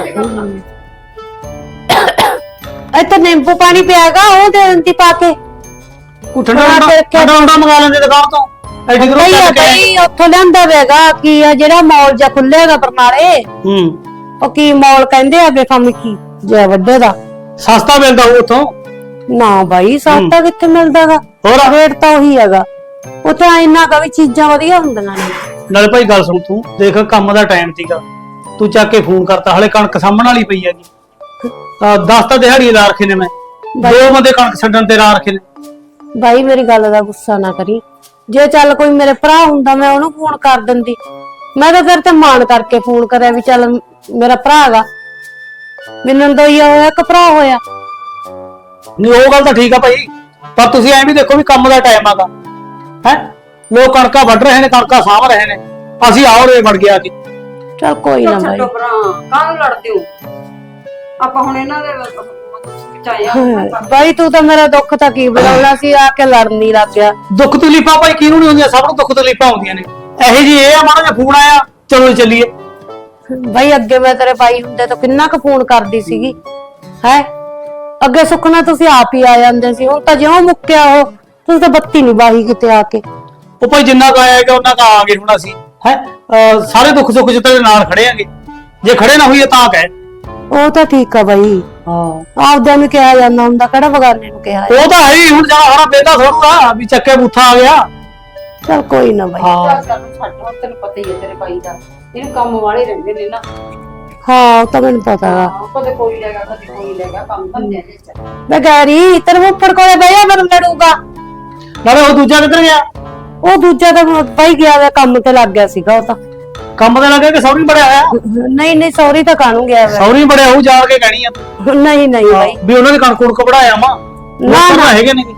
ਇੱਥੇ ਨਿੰਬੂ ਪਾਣੀ ਪਿਆਗਾ, ਉਹ ਦੇ ਦਿੰਦੀ ਪਾ ਕੇ। ਉਹ ਠੰਡਾ ਠੰਡਾ ਠੰਡਾ ਮੰਗਾ ਲੈਂਦੇ ਦੁਕਾਨ ਤੋਂ। ਐਡੀ ਦੂਰੋਂ ਬਈ ਚੱਲ ਕੇ ਆਏ। ਬਈ ਉੱਥੋਂ ਲਿਆਂਦਾ ਵੇਗਾ ਕੀ ਆ, ਜਿਹੜਾ ਮੌਲ ਜਾਂ ਖੁੱਲੇਗਾ ਬਰਨਾਲੇ, ਹੂੰ ਉਹ ਕੀ ਮੌਲ ਕਹਿੰਦੇ ਆ ਬੇਫਾਮੀ ਕੀ ਜੈ ਵੱਡੇ ਦਾ। ਸਸਤਾ ਮਿਲਦਾ ਉਹ ਉੱਥੋਂ। ਨਾ ਬਾਈ ਸਸਤਾ ਕਿੱਥੇ ਮਿਲਦਾਗਾ, ਹੋਰ ਰੇਟ ਤਾਂ ਉਹੀ ਹੈਗਾ। ਉੱਥੇ ਇੰਨਾ ਕਾ ਵੀ ਚੀਜ਼ਾਂ ਵਧੀਆ ਹੁੰਦੀਆਂ ਨੇ। ਨਾਲੇ ਭਾਈ ਗੱਲ ਸੁਣ, ਤੂੰ ਦੇਖ ਕੰਮ ਦਾ ਟਾਈਮ ਸੀਗਾ, ਤੂੰ ਚੱਕ ਕੇ ਫੋਨ ਕਰਤਾ। ਹਲੇ ਕਣਕ ਸਾਂਭਣ ਵਾਲੀ ਪਈ ਹੈਗੀ। ਦਸ ਤਾਂ ਦਿਹਾੜੀ ਲਾ ਰੱਖੇ ਨੇ, ਮੈਂ ਦੋ ਬੰਦੇ ਕਣਕ ਛੱਡਣ ਤੇ ਲਾ ਰੱਖੇ ਨੇ। ਬਾਈ ਮੇਰੀ ਗੱਲ ਦਾ ਗੁੱਸਾ ਨਾ ਕਰੀ, ਜੇ ਚੱਲ ਕੋਈ ਮੇਰੇ ਭਰਾ ਹੁੰਦਾ ਮੈਂ ਉਹਨੂੰ ਫੋਨ ਕਰ ਦਿੰਦੀ। ਮੈਂ ਤਾਂ ਫਿਰ ਤੇ ਮਾਣ ਕਰਕੇ ਫੋਨ ਕਰਿਆ ਵੀ ਚੱਲ ਮੇਰਾ ਭਰਾ ਹੈਗਾ, ਮੈਨੂੰ ਤਾਂ ਇਹ ਹੋਇਆ ਕਿ ਭਰਾ ਹੋਇਆ। ਨਹੀਂ ਉਹ ਗੱਲ ਤਾਂ ਠੀਕ ਆ ਭਾਈ, ਪਰ ਤੁਸੀਂ ਐਂ ਵੀ ਦੇਖੋ ਵੀ ਕੰਮ ਦਾ ਟਾਈਮ ਆਗਾ ਹੈ। ਲੋਕ ਕਣਕਾਂ ਵੱਢ ਰਹੇ ਨੇ, ਕਣਕਾਂ ਸਾਂਭ ਰਹੇ ਨੇ, ਅਸੀਂ ਆਹ ਰੇ ਵੜ ਗਿਆ ਕਿ। ਚੱਲ ਕੋਈ ਨਾ ਬਾਈ। ਛੱਡੋ ਭਰਾ, ਕਾਹਨੂੰ ਲੜਦੇ ਹੋ? ਆਪਾਂ ਹੁਣ ਇਹਨਾਂ ਦੇ ਚਾਹਿਆ ਬਾਈ ਤੂੰ ਤਾਂ ਮੇਰਾ ਦੁੱਖ ਤਾਂ ਕੀ ਬੁਲਾਉਣਾ ਸੀ, ਆ ਕੇ ਲੜਨ ਨਹੀਂ ਲੱਗ ਗਿਆ। ਦੁੱਖ ਤਕਲੀਫਾਂ ਭਾਈ ਕਿਹਨੂੰ ਨਹੀਂ ਹੁੰਦੀਆਂ, ਸਭ ਨੂੰ ਦੁੱਖ ਤਕਲੀਫਾਂ ਹੁੰਦੀਆਂ ਨੇ। ਇਹੋ ਜੀ ਇਹ ਆ, ਮਾੜਾ ਜਿਹਾ ਫੋਨ ਆਇਆ ਚਲੋ ਚੱਲੀਏ। ਬਾਈ ਅੱਗੇ ਮੈਂ ਤੇਰੇ ਬਾਈ ਹੁੰਦੇ ਤਾਂ ਕਿੰਨਾ ਕੁ ਫੋਨ ਕਰਦੀ ਸੀਗੀ ਹੈ। ਅੱਗੇ ਸੁੱਖਣਾ ਤੁਸੀਂ ਆਪ ਹੀ ਆ ਜਾਂਦੇ ਸੀ, ਹੁਣ ਤਾਂ ਜਿਉਂ ਮੁੱਕਿਆ ਉਹ ਤੁਸੀਂ ਤਾਂ ਬੱਤੀ ਨਹੀਂ ਬਾਹੀ ਕਿਤੇ ਆ ਕੇ। ਉਹ ਭਾਈ ਜਿੰਨਾ ਕਾ ਆਏਗਾ ਉਹਨਾਂ ਕਾ ਆ ਗਏ ਹੁਣ ਅਸੀਂ ਹੈ। ਸਾਰੇ ਦੁੱਖ ਸੁੱਖ ਚ ਤੇਰੇ ਨਾਲ ਖੜੇ ਆਂਗੇ, ਜੇ ਖੜੇ ਨਾ ਹੋਈਏ ਤਾਂ ਕਹਿ। ਉਹ ਤਾਂ ਠੀਕ ਆ ਬਾਈ, ਹਾਂ ਆਪਦਿਆਂ ਨੂੰ ਕਿਹਾ ਜਾਂਦਾ ਹੁੰਦਾ, ਕਿਹੜਾ ਬਗਾਨੇ ਨੂੰ ਕਿਹਾ। ਉਹ ਤਾਂ ਹੈ ਹੀ, ਹੁਣ ਜਾ ਹਰਾ ਬੇਟਾ ਥੋੜਾ ਵੀ ਚੱਕੇ ਬੂਥਾ ਆ ਗਿਆ। ਚੱਲ ਕੋਈ ਨਾ ਬਾਈ। ਹਾਂ ਚੱਲ ਚੱਲ ਛੱਡ, ਹੁਣ ਤੈਨੂੰ ਪਤਾ ਹੀ ਹੈ ਤੇਰੇ ਭਾਈ ਦਾ, ਇਹਨੂੰ ਕੰਮ ਵਾਲੇ ਰਹਿੰਦੇ ਨੇ ਨਾ। ਹਾਂ ਉਹ ਤਾਂ ਮੈਨੂੰ ਪਤਾ ਹੈਗਾ। ਹਾਂ, ਕਦੇ ਕੋਈ ਲੈਗਾ ਕਦੇ ਕੋਈ ਲੈਗਾ, ਕੰਮ ਧੰਦੇ ਦੇ ਚ। ਮੈਂ ਗੈਰੀ ਤੇਰੇ ਮੁੱਫੜ ਕੋਲੇ ਬਈਆ ਮੈਨੂੰ ਲੜੂਗਾ। ਨਾਲੇ ਉਹ ਦੂਜਾ ਕਿੱਧਰ ਗਿਆ? ਉਹ ਦੂਜਾ ਤਾਂ ਬਾਈ ਗਿਆ ਵਾ, ਕੰਮ ਤੇ ਲੱਗ ਗਿਆ ਸੀਗਾ ਉਹ ਤਾਂ। ਕੰਮ ਤੇ ਲੱਗੇ ਕਿ ਸੌਰੀ ਬੜਿਆ ਹੋਇਆ? ਨਹੀਂ ਨਹੀਂ ਸੌਰੀ ਤਾਂ ਕਾਹਨੂੰ ਗਿਆ ਵਾ। ਸੌਰੀ ਬੜਿਆ ਉਹ ਜਾ ਕੇ ਕਹਿਣੀ ਆ ਤੂੰ। ਨਹੀਂ ਨਹੀਂ ਬਾਈ, ਵੀ ਉਹਨਾਂ ਦੇ ਕਣਕ ਕੁਣਕ ਵੜਾਇਆ ਮਾ ਨਾ ਨਾ ਹੈਗੇ ਨੇ।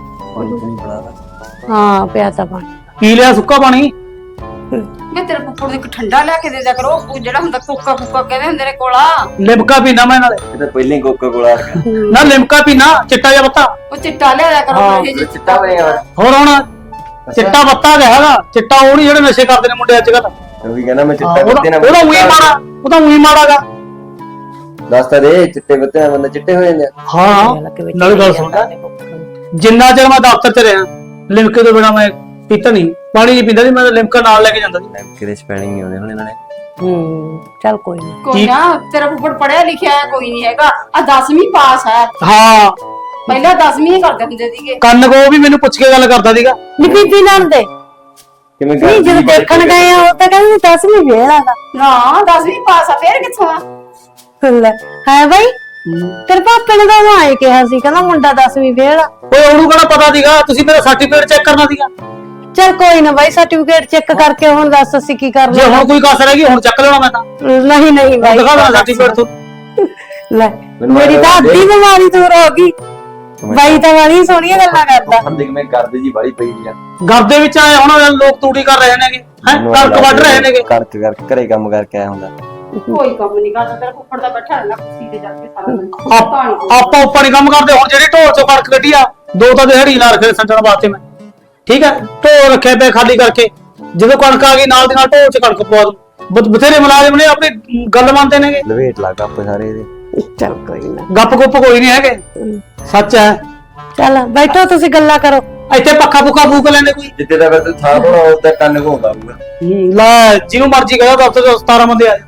ਹਾਂ ਪਿਆ ਤਾਂ ਪਾਣੀ ਪੀ ਲਿਆ ਸੁੱਕਾ ਪਾਣੀ। ਮੈਂ ਤੇਰੇ ਪੁੱਪੜ ਨੂੰ ਇੱਕ ਠੰਡਾ ਲਿਆ ਕੇ ਦੇ ਦਿਆ ਕਰੋ, ਉਹ ਜਿਹੜਾ ਹੁੰਦਾ ਕੋਕਾ ਕੋਕਾ ਕਹਿੰਦੇ ਹੁੰਦੇ ਨੇ ਕੋਲਾ। ਲਿਮਕਾ ਪੀਣਾ ਮੈਂ ਨਾਲੇ। ਇਹ ਤਾਂ ਪਹਿਲਾਂ ਹੀ ਕੋਕਾ ਕੋਲਾ ਆ ਗਿਆ। ਨਾ ਲਿਮਕਾ ਪੀਣਾ, ਚਿੱਟਾ ਜਿਹਾ ਬੱਤਾ। ਉਹ ਚਿੱਟਾ ਲਿਆ ਦਿਆ ਕਰੋ ਇਹ ਜਿਹੇ ਚਿੱਟਾ ਬਣਿਆ ਹੋਰ ਹੁਣ ਚਿੱਟਾ ਬੱਤਾ ਗਿਆ ਹੈਗਾ, ਚਿੱਟਾ ਉਹ ਨਹੀਂ ਜਿਹੜੇ ਨਸ਼ੇ ਕਰਦੇ ਨੇ ਮੁੰਡੇ ਅੱਜ ਕੱਲ। ਉਹ ਵੀ ਕਹਿੰਦਾ ਮੈਂ ਚਿੱਟਾ ਉਹਦਾ ਬੱਤੇ ਨਾਲ ਉਹਦਾ ਉਹੀ ਮਾੜਾ, ਉਹਦਾ ਉਹੀ ਮਾੜਾਗਾ। ਦੱਸ ਤਾਂ ਦੇ, ਚਿੱਟੇ ਬੱਤੇ ਨਾਲ ਬੰਦੇ ਚਿੱਟੇ ਹੋ ਜਾਂਦੇ ਆ। ਹਾਂ ਨਾਲੇ ਗੱਲ ਸੁਣ, ਜਿੰਨਾ ਚਿਰ ਮੈਂ ਦਫ਼ਤਰ ਚ ਰਿਹਾ ਲਿਮਕੇ ਤੋਂ ਬਿਨਾ ਮੈਂ ਪੀਤਾ ਨਹੀਂ, ਪਾਣੀ ਨਹੀਂ ਪੀਂਦਾ ਸੀ ਮੈਂ, ਲਿਮਕਾ ਨਾਲ ਲੈ ਕੇ ਜਾਂਦਾ ਸੀ। ਕਿਤੇ ਸਪੈਲਿੰਗ ਨਹੀਂ ਆਉਂਦੇ ਹੁਣ ਇਹਨਾਂ ਨੇ। ਹੂੰ ਚੱਲ ਕੋਈ ਨਾ। ਕੋਈ ਨਾ, ਤੇਰਾ ਪੁੱਪੜ ਪੜਿਆ ਲਿਖਿਆ ਹੈ ਕੋਈ ਨਹੀਂ ਹੈਗਾ, ਆ ਦਸਵੀਂ ਪਾਸ ਹੈ। ਹਾਂ ਪਹਿਲਾਂ ਦਸਵੀਂ ਹੀ ਕਰਦੇ ਹੁੰਦੇ ਸੀਗੇ। ਕੰਨ ਕੋ ਵੀ ਮੈਨੂੰ ਪੁੱਛ ਕੇ ਗੱਲ ਕਰਦਾ ਸੀਗਾ। ਨੀ ਬੀਬੀ ਨਾਲ ਦੇ ਕਿਵੇਂ ਨਹੀਂ ਜਦੋਂ ਦੇਖਣ ਗਏ ਆ ਉਹ ਤਾਂ ਕਹਿੰਦੇ ਦਸਵੀਂ ਫੇਲ ਆਗਾ। ਨਾ ਦਸਵੀਂ ਪਾਸ ਆ, ਫੇਰ ਕਿੱਥੋਂ ਆ? ਲੈ ਹੈ ਬਾਈ, ਤੇਰੇ ਪਾਪੇ ਨੇ ਤਾਂ ਉਹ ਆਏ ਕਿਹਾ ਸੀ, ਕਹਿੰਦਾ ਮੁੰਡਾ ਦਸਵੀਂ ਫੇਲ ਆ। ਓਏ ਉਹਨੂੰ ਕਿਹੜਾ ਪਤਾ ਸੀਗਾ, ਤੁਸੀਂ ਮੇਰਾ ਸਰਟੀਫਿਕੇਟ ਚੈੱਕ ਕਰਨਾ ਸੀਗਾ। ਚੱਲ ਕੋਈ ਨਾ ਬਾਈ, ਸਰਟੀਫਿਕੇਟ ਚੈੱਕ ਕਰਕੇ ਹੁਣ ਦੱਸ ਅਸੀਂ ਕੀ ਜੇ ਕਰਨਾ। ਹੁਣ ਕੋਈ ਕਸਰ ਹੈਗੀ ਹੁਣ ਚੱਕ ਲੈਣਾ ਮੈਂ ਤਾਂ। ਨਹੀਂ ਨਹੀਂ ਬਾਈ ਦਿਖਾ ਦੇਣਾ ਸਰਟੀਫਿਕੇਟ ਤੋਂ। ਲੈ ਮੇਰੀ ਤਾਂ ਅੱਧੀ ਬਿਮਾਰੀ ਦੂਰ ਹੋ ਗਈ। ਬਾਈ ਤਾਂ ਵਾਲੀ ਸੋਹਣੀਆਂ ਗੱਲਾਂ ਕਰਦਾ। ਹੁਣ ਦੇਖ ਮੈਂ ਕਰਦੇ ਜੀ ਬਾਲੀ ਪਈ ਆ ਘਰ ਦੇ ਵਿੱਚ ਆਏ ਹੁਣ ਲੋਕ ਤੂੜੀ ਕਰ ਰਹੇ ਨੇਗੇ ਹੈ ਕਣਕ ਵੱਢ ਰਹੇ ਨੇਗੇ। ਕਣਕ ਕਰਕੇ ਘਰੇ ਕੰਮ ਕਰਕੇ ਆਇਆ ਹੁੰਦਾ। ਕੋਈ ਕੰਮ ਨਹੀਂ ਕਰਦਾ ਤੇਰਾ ਫੁੱਫੜ ਦਾ ਬੈਠਾ ਰਹਿਣਾ ਕੁਰਸੀ ਤੇ ਜਾ ਕੇ ਸਾਰਾ ਦਿਨ ਆਪ- ਆਪਾਂ ਉੱਪਰ ਨਹੀਂ ਕੰਮ ਕਰਦੇ। ਹੁਣ ਜਿਹੜੀ ਢੋਲ ਚੋਂ ਕਣਕ ਕੱਢੀ ਆ ਦੋ ਤਾਂ ਦਿਹਾੜੀ ਲਾ ਰੱਖੇ ਸੰਜਣ ਵਾਸਤੇ ਮੈਂ, ਠੀਕ ਹੈ। ਢੋਲ ਰੱਖੇ ਪਏ ਖਾਲੀ ਕਰਕੇ, ਜਦੋਂ ਕਣਕ ਆ ਗਈ ਨਾਲ ਦੀ ਨਾਲ ਢੋਲ ਚ ਕਣਕ ਪਵਾ ਦੂੰ। ਬ- ਬਥੇਰੇ ਮੁਲਾਜ਼ਮ ਨੇ ਆਪਣੀ ਗੱਲ ਮੰਨਦੇ ਨੇਗੇ। ਲਵੇਟ ਲੱਗ ਆਪੇ ਸਾਰੇ ਇਹਦੇ। ਚੱਲ ਕੋਈ ਨਾ, ਗੱਪ ਗੁੱਪ ਕੋਈ ਨਹੀਂ ਹੈਗੇ, ਸੱਚ ਹੈ। ਚੱਲ ਬੈਠੋ ਤੁਸੀਂ ਗੱਲਾਂ ਕਰੋ। ਇੱਥੇ ਪੱਖਾ ਪੁੱਖਾ ਫੂਕ ਲੈਂਦੇ ਕੋਈ। ਜਿੱਤੇ ਦਾ ਫਿਰ ਥਾਂ ਹੋਣਾ ਉੱਤੇ ਕੰਨ ਘੋਂਦਾ ਹੋਊਗਾ। ਲੈ ਜਿਹਨੂੰ ਮਰਜ਼ੀ ਕਹੋ ਦਫ਼ਤਰ ਚ ਸਤਾਰਾਂ ਬੰਦੇ ਆ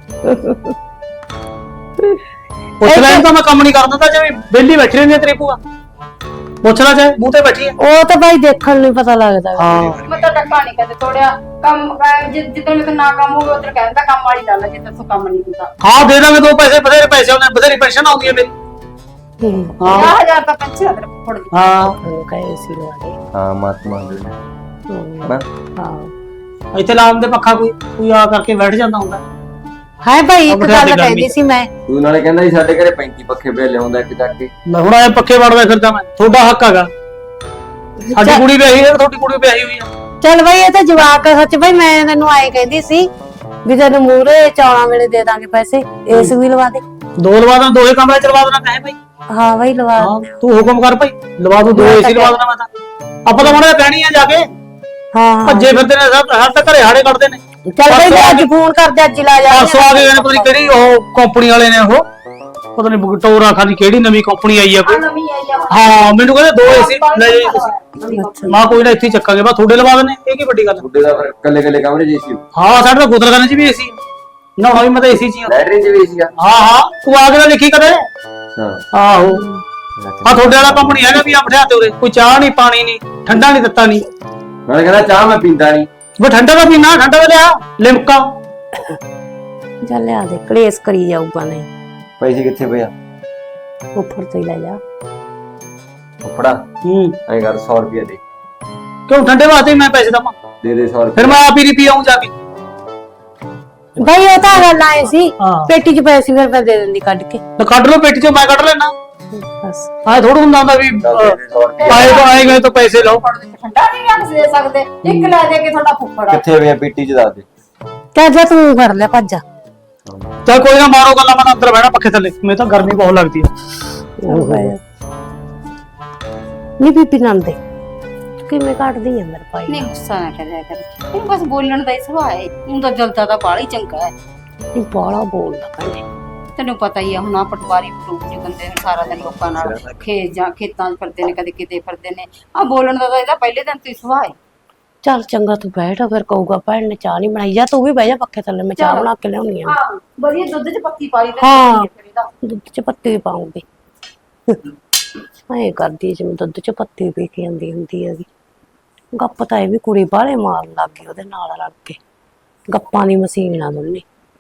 ਪੁੱਛ ਲੈਣ ਤਾਂ ਮੈਂ ਕੰਮ ਨਹੀਂ ਕਰਦਾ ਤਾਂ ਜਿਵੇਂ ਵਿਹਲੀ ਬੈਠੀ ਰਹਿੰਦੀ ਆ ਤੇਰੀ ਭੂਆ। ਪੁੱਛ ਲੈ ਚਾਹੇ ਮੂੰਹ ਤੇ ਬੈਠੀ ਆ। ਉਹ ਤਾਂ ਬਾਈ ਦੇਖਣ ਨੂੰ ਹੀ ਪਤਾ ਲੱਗਦਾ। ਹਾਂ ਮੈਂ ਤਾਂ ਟੱਕਾ ਨਹੀਂ ਕਦੇ ਤੋੜਿਆ ਕੰਮ ਅਹ ਜਿ- ਜਿੱਦਣ ਮੇਰੇ ਨਾ ਕੰਮ ਹੋਵੇ ਉਧਰ ਕਹਿੰਦਾ ਕੰਮ ਵਾਲੀ ਗੱਲ ਹੈ, ਜਿੱਦਣ ਤੋਂ ਕੰਮ ਨਹੀਂ ਹੁੰਦਾ। ਹਾਂ ਦੇ ਦਾਂਗੇ ਦੋ ਪੈਸੇ, ਬਥੇਰੇ ਪੈਸੇ ਆਉਂਦੇ, ਬਥੇਰੀ ਪੈਨਸ਼ਨ ਆਉਂਦੀ ਹੈ ਮੇਰੀ। ਹੂੰ, ਹਾਂ ਪੰਜਾਹ ਹਜ਼ਾਰ ਤਾਂ ਪੈਨਸ਼ਨ ਆ ਤੇਰੇ ਫੁੱਫੜ ਦੀ। ਹਾਂ ਉਹ ਕਹੇ ਸੀ ਲਵਾ ਦੇ। ਹਾਂ ਮਾਤਮਾ ਦੇ ਹੂੰ, ਹਨਾ। ਹਾਂ ਇੱਥੇ ਲਾਉਣ ਦੇ ਪੱਖਾ ਕੋਈ ਕੋਈ ਆ ਕਰਕੇ ਬੈਠ ਜਾਂਦਾ ਹੁੰਦਾ। ਹਾਏ ਭਾਈ ਇੱਕ ਆਪਣੇ ਹੱਥ ਦੀ ਗੱਲ ਗਰਮੀ। ਕਹਿੰਦੀ ਸੀ ਮੈਂ। ਤੂੰ ਨਾਲੇ ਕਹਿੰਦਾ ਸੀ ਸਾਡੇ ਘਰੇ ਪੈਂਤੀ ਪੱਖੇ ਪਿਆ ਲਿਆਉਂਦਾ ਇੱਕ ਚੱਕ ਕੇ। ਲੈ ਹੁਣ ਆਏ ਪੱਖੇ ਵੜਦਾ ਫਿਰਦਾ ਮੈਂ, ਤੁਹਾਡਾ ਹੱਕ ਹੈਗਾ। ਸਾਡੀ ਚੱਲ- ਕੁੜੀ ਵਿਆਹੀ ਹੈ, ਤੁਹਾਡੀ ਕੁੜੀ ਵਿਆਹੀ ਹੋਈ ਆ। ਚੱਲ ਬਾਈ ਇਹ ਤਾਂ ਜਵਾਕ ਆ। ਸੱਚ ਬਾਈ ਮੈਂ ਤੈਨੂੰ ਆਏ ਕਹਿੰਦੀ ਸੀ ਵੀ ਤੈਨੂੰ ਮੂਹਰੇ ਚੌਲਾਂ ਵੇਲੇ ਦੇ ਦਾਂਗੇ ਪੈਸੇ, ਏਸ ਵੀ ਲਵਾ ਦੇ। ਦੋ ਲਵਾ ਦੇਣਾ, ਦੋਹੇ ਕਮਰੇ ਚ ਲਵਾ ਦੇਣਾ ਕਹੇ ਭਾਈ। ਹਾਂ ਬਾਈ ਲਵਾ ਹਾਂ ਦੇ। ਤੂੰ ਹੁਕਮ ਕਰ ਭਾਈ, ਲਵਾ ਦੂ ਦੋ ਮੈਂ ਤਾਂ ਏਸੀ ਲਵਾ ਦੇਣਾ ਮੈਂ ਤਾਂ। ਆਪਾਂ ਤਾਂ ਮਾੜਾ ਜਿਹਾ ਕਹਿਣੀ ਆ ਜਾ ਕੇ, ਹਾਂ ਭੱਜੇ ਫਿਰਦੇ ਨੇ ਸਭ, ਹਰ ਤਾਂ ਘਰੇ ਹਾੜੇ ਕੱਢਦੇ ਨੇ। ਚੱਲ ਬਾਈ ਮੈਂ ਅੱਜ ਫੋਨ ਕਰਦੇ, ਅੱਜ ਹੀ ਲਾ ਜਾ। ਪਰਸੋਂ ਆ ਗਏ ਨੇ ਪਤਾ ਨੀ ਕਿਹੜੀ ਉਹ ਕੰਪਨੀ ਵਾਲੇ ਨੇ, ਉਹ ਪਤਾ ਨਹੀਂ ਟੋਰਾ ਖਾਨੀ ਕਿਹੜੀ ਨਵੀਂ ਕੰਪਨੀ ਆਈ ਆ ਕੋਈ। ਨਵੀਂ ਆਈ ਆ ਹੁਣ। ਹਾਂ ਮੈਨੂੰ ਕਹਿੰਦੇ ਦੋ ਏਸੀ ਲੈ ਜਾਓ ਤੁਸੀਂ। ਨਵੀਂ company। ਮਾਂ ਕੋਈ ਨਾ ਇੱਥੇ ਹੀ ਚੱਕਾਂਗੇ, ਬਸ ਤੁਹਾਡੇ ਲਵਾ ਦੇਣੇ, ਇਹ ਕੀ ਵੱਡੀ ਗੱਲ ਆ। ਬੁੱਢੇ ਦਾ ਫਿਰ ਕੱਲੇ ਕੱਲੇ ਕਮਰੇ 'ਚ ਸੀ। ਹਾਂ ਸਾਡੇ ਤਾਂ ਗੁਦਰਖਾਨੇ 'ਚ ਵੀ ਏਸੀ, ਨਹਾਉਣਾ ਵੀ ਮੈਂ ਤਾਂ ਏਸੀ 'ਚ ਹੀ ਆ। ਲੈਟਰਿਨ 'ਚ ਵੀ ਸੀ ਆ। ਹਾਂ ਹਾਂ ਤੂੰ ਆ ਕੇ ਤਾਂ ਦੇਖੀ ਕਦੇ। ਹਾਂ ਆਹੋ ਆ ਤੁਹਾਡੇ ਵਾਲਾ ਕੰਮ ਨਹੀਂ ਹੈਗਾ ਵੀ ਆ ਬਿਠਾ ਤੇ ਉਰੇ ਕੋਈ ਚਾਹ ਨਹੀਂ, ਪਾਣੀ ਨਹੀਂ, ਠੰਡਾ ਨਹੀਂ, ਦਿੱਤਾ ਨਹੀਂ। ਨਾਲੇ ਕਹਿੰਦਾ ਚਾਹ ਮੈਂ ਪੀਂਦਾ ਨਹੀਂ। ਉਹ ਠੰਡਾ ਦਾ ਪੀਣਾ, ਠੰਡਾ ਦਾ ਲਿਆ ਲਿਮਕਾ। ਚੱਲ ਲਿਆ ਦੇ, ਕਲੇਸ਼ ਕਰੀ ਜਾਊਗਾ ਨਹੀਂ। ਪੈਸੇ ਕਿੱਥੇ ਪਿਆ? ਉੱਪਰ ਤੋਂ ਹੀ ਲੈ ਜਾ। ਫੜਾ ਹੂੰ ਐਂ ਕਰ ਸੌ ਰੁਪਏ ਦੇ ਕਿਉਂ ਠੰਡੇ ਵਾਸਤੇ ਮੈਂ ਪੈਸੇ ਦਵਾਂ? ਦੇ ਦੇ ਸੌ ਰੁਪਏ। ਫਿਰ ਮੈਂ ਆਪ ਹੀ ਰਿਪੀ ਆਉਂ ਜਾ ਕੇ। ਬਾਈ ਉਹ ਤਾਂ ਗੱਲ ਆਏ ਸੀ, ਹਾਂ ਪੇਟੀ 'ਚ ਪੈਸੇ ਫਿਰ ਮੈਂ ਦੇ ਦਿੰਦੀ ਕੱਢ ਕੇ। ਤਾਂ ਕੱਢ ਲਓ ਪੇਟੀ ਚੋਂ, ਮੈਂ ਕੱਢ ਲੈਣਾ। ਬਸ ਆਏ ਥੋੜਾ ਹੁੰਦਾ ਹੁੰਦਾ ਵੀ ਚੱਲ ਦੇ ਦੇ ਸੌ ਰੁਪਏ। ਆਏ ਤਾਂ ਆਏ ਗਏ ਤਾਂ ਪੈਸੇ ਲਓ। ਫੁੱਫੜ ਦੇ ਠੰਡਾ ਨਹੀਂ ਰੱਖ ਦੇ ਸਕਦੇ, ਇੱਕ ਲੈ ਦੇ ਕੇ ਤੁਹਾਡਾ ਫੁੱਫੜ ਆ। ਕਿੱਥੇ ਪਿਆ ਪੀਟੀ 'ਚ ਦੱਸ ਦੇ। ਚੱਲ ਜਾ ਤੂੰ ਕਰ ਲੈ, ਭੱਜ ਜਾ। ਚੱਲ ਕੋਈ ਨਾ ਮਾਰੋ ਗੱਲਾਂ, ਮੈਂ ਅੰਦਰ ਬਹਿਣਾ ਪੱਖੇ ਥੱਲੇ, ਮੈਨੂੰ ਤਾਂ ਗਰਮੀ ਬਹੁਤ ਲੱਗਦੀ ਹੈ। ਨੀ ਬੀਬੀ ਨੰਦੇ ਕਿਵੇਂ ਕੱਢਦੀ ਆ ਮੇਰੇ ਭਾਈ ਨਹੀਂ ਗੁੱਸਾ ਨਾ ਕਰਿਆ ਕਰ, ਇਹਨੂੰ ਬਸ ਬੋਲਣ ਦਾ ਹੀ ਸੁਭਾਅ ਹੈ। ਉਹ ਤਾਂ ਜਲਦਾ ਤਾਂ ਬਾਹਲਾ ਹੀ ਚੰਗਾ ਹੈ। ਇਹ ਬਾਲਾ ਬੋਲਦਾ ਕਹਿੰਦੇ। ਤੈਨੂੰ ਪਤਾ ਹੀ ਆ ਹੁਣ ਆ ਪਟਵਾਰੀ ਪਟੂਕ ਜੀ ਬੰਦੇ ਨੇ ਸਾਰਾ ਦਿਨ ਲੋਕਾਂ ਨਾਲ ਖੇਤ ਜਾਂ ਖੇਤਾਂ 'ਚ ਫਿਰਦੇ ਨੇ, ਕਦੇ ਕਿਤੇ ਫਿਰਦੇ ਨੇ। ਆ ਬੋਲਣ ਦਾ ਤਾਂ ਇਹਦਾ ਪਹਿਲੇ ਦਿਨ ਤੋਂ ਹੀ ਸੁਭਾਅ ਹੈ। ਚੱਲ ਚੰਗਾ ਤੂੰ ਬੈਠ, ਫਿਰ ਕਹੂਗਾ ਭੈਣ ਨੇ ਚਾਹ ਨਹੀਂ ਬਣਾਈ। ਜਾ ਤੂੰ ਵੀ ਬਹਿ ਜਾ ਪੱਖੇ ਥੱਲੇ, ਮੈਂ ਚਾਹ ਚੱਲ। ਬਣਾ ਕੇ ਲਿਆਉਣੀ ਆ। ਹਾਂ ਵਧੀਆ ਦੁੱਧ 'ਚ ਪੱਤੀ ਪਾ ਲਈ ਤੇ ਹਾਂ। ਫਿਰ ਇਹਦਾ ਦੁੱਧ 'ਚ ਪੱਤੀ ਵੀ ਪਾਉਂਗੀ। ਐ ਕਰਦੀ ਜਿਵੇਂ ਦੁੱਧ 'ਚ ਪੱਤੀ ਪੀ ਕੇ ਆਂਦੀ ਹੁੰਦੀ ਹੈਗੀ। ਗੱਪ ਤਾਂ ਇਹ ਵੀ ਕੁੜੀ ਬਾਹਲੇ ਮਾਰਨ ਲੱਗ ਗਈ ਉਹਦੇ ਨਾਲ ਰਲ ਕੇ। ਗੱਪਾਂ ਦੀ ਮਸ਼ੀਨ ਆ ਦੋਨੇ।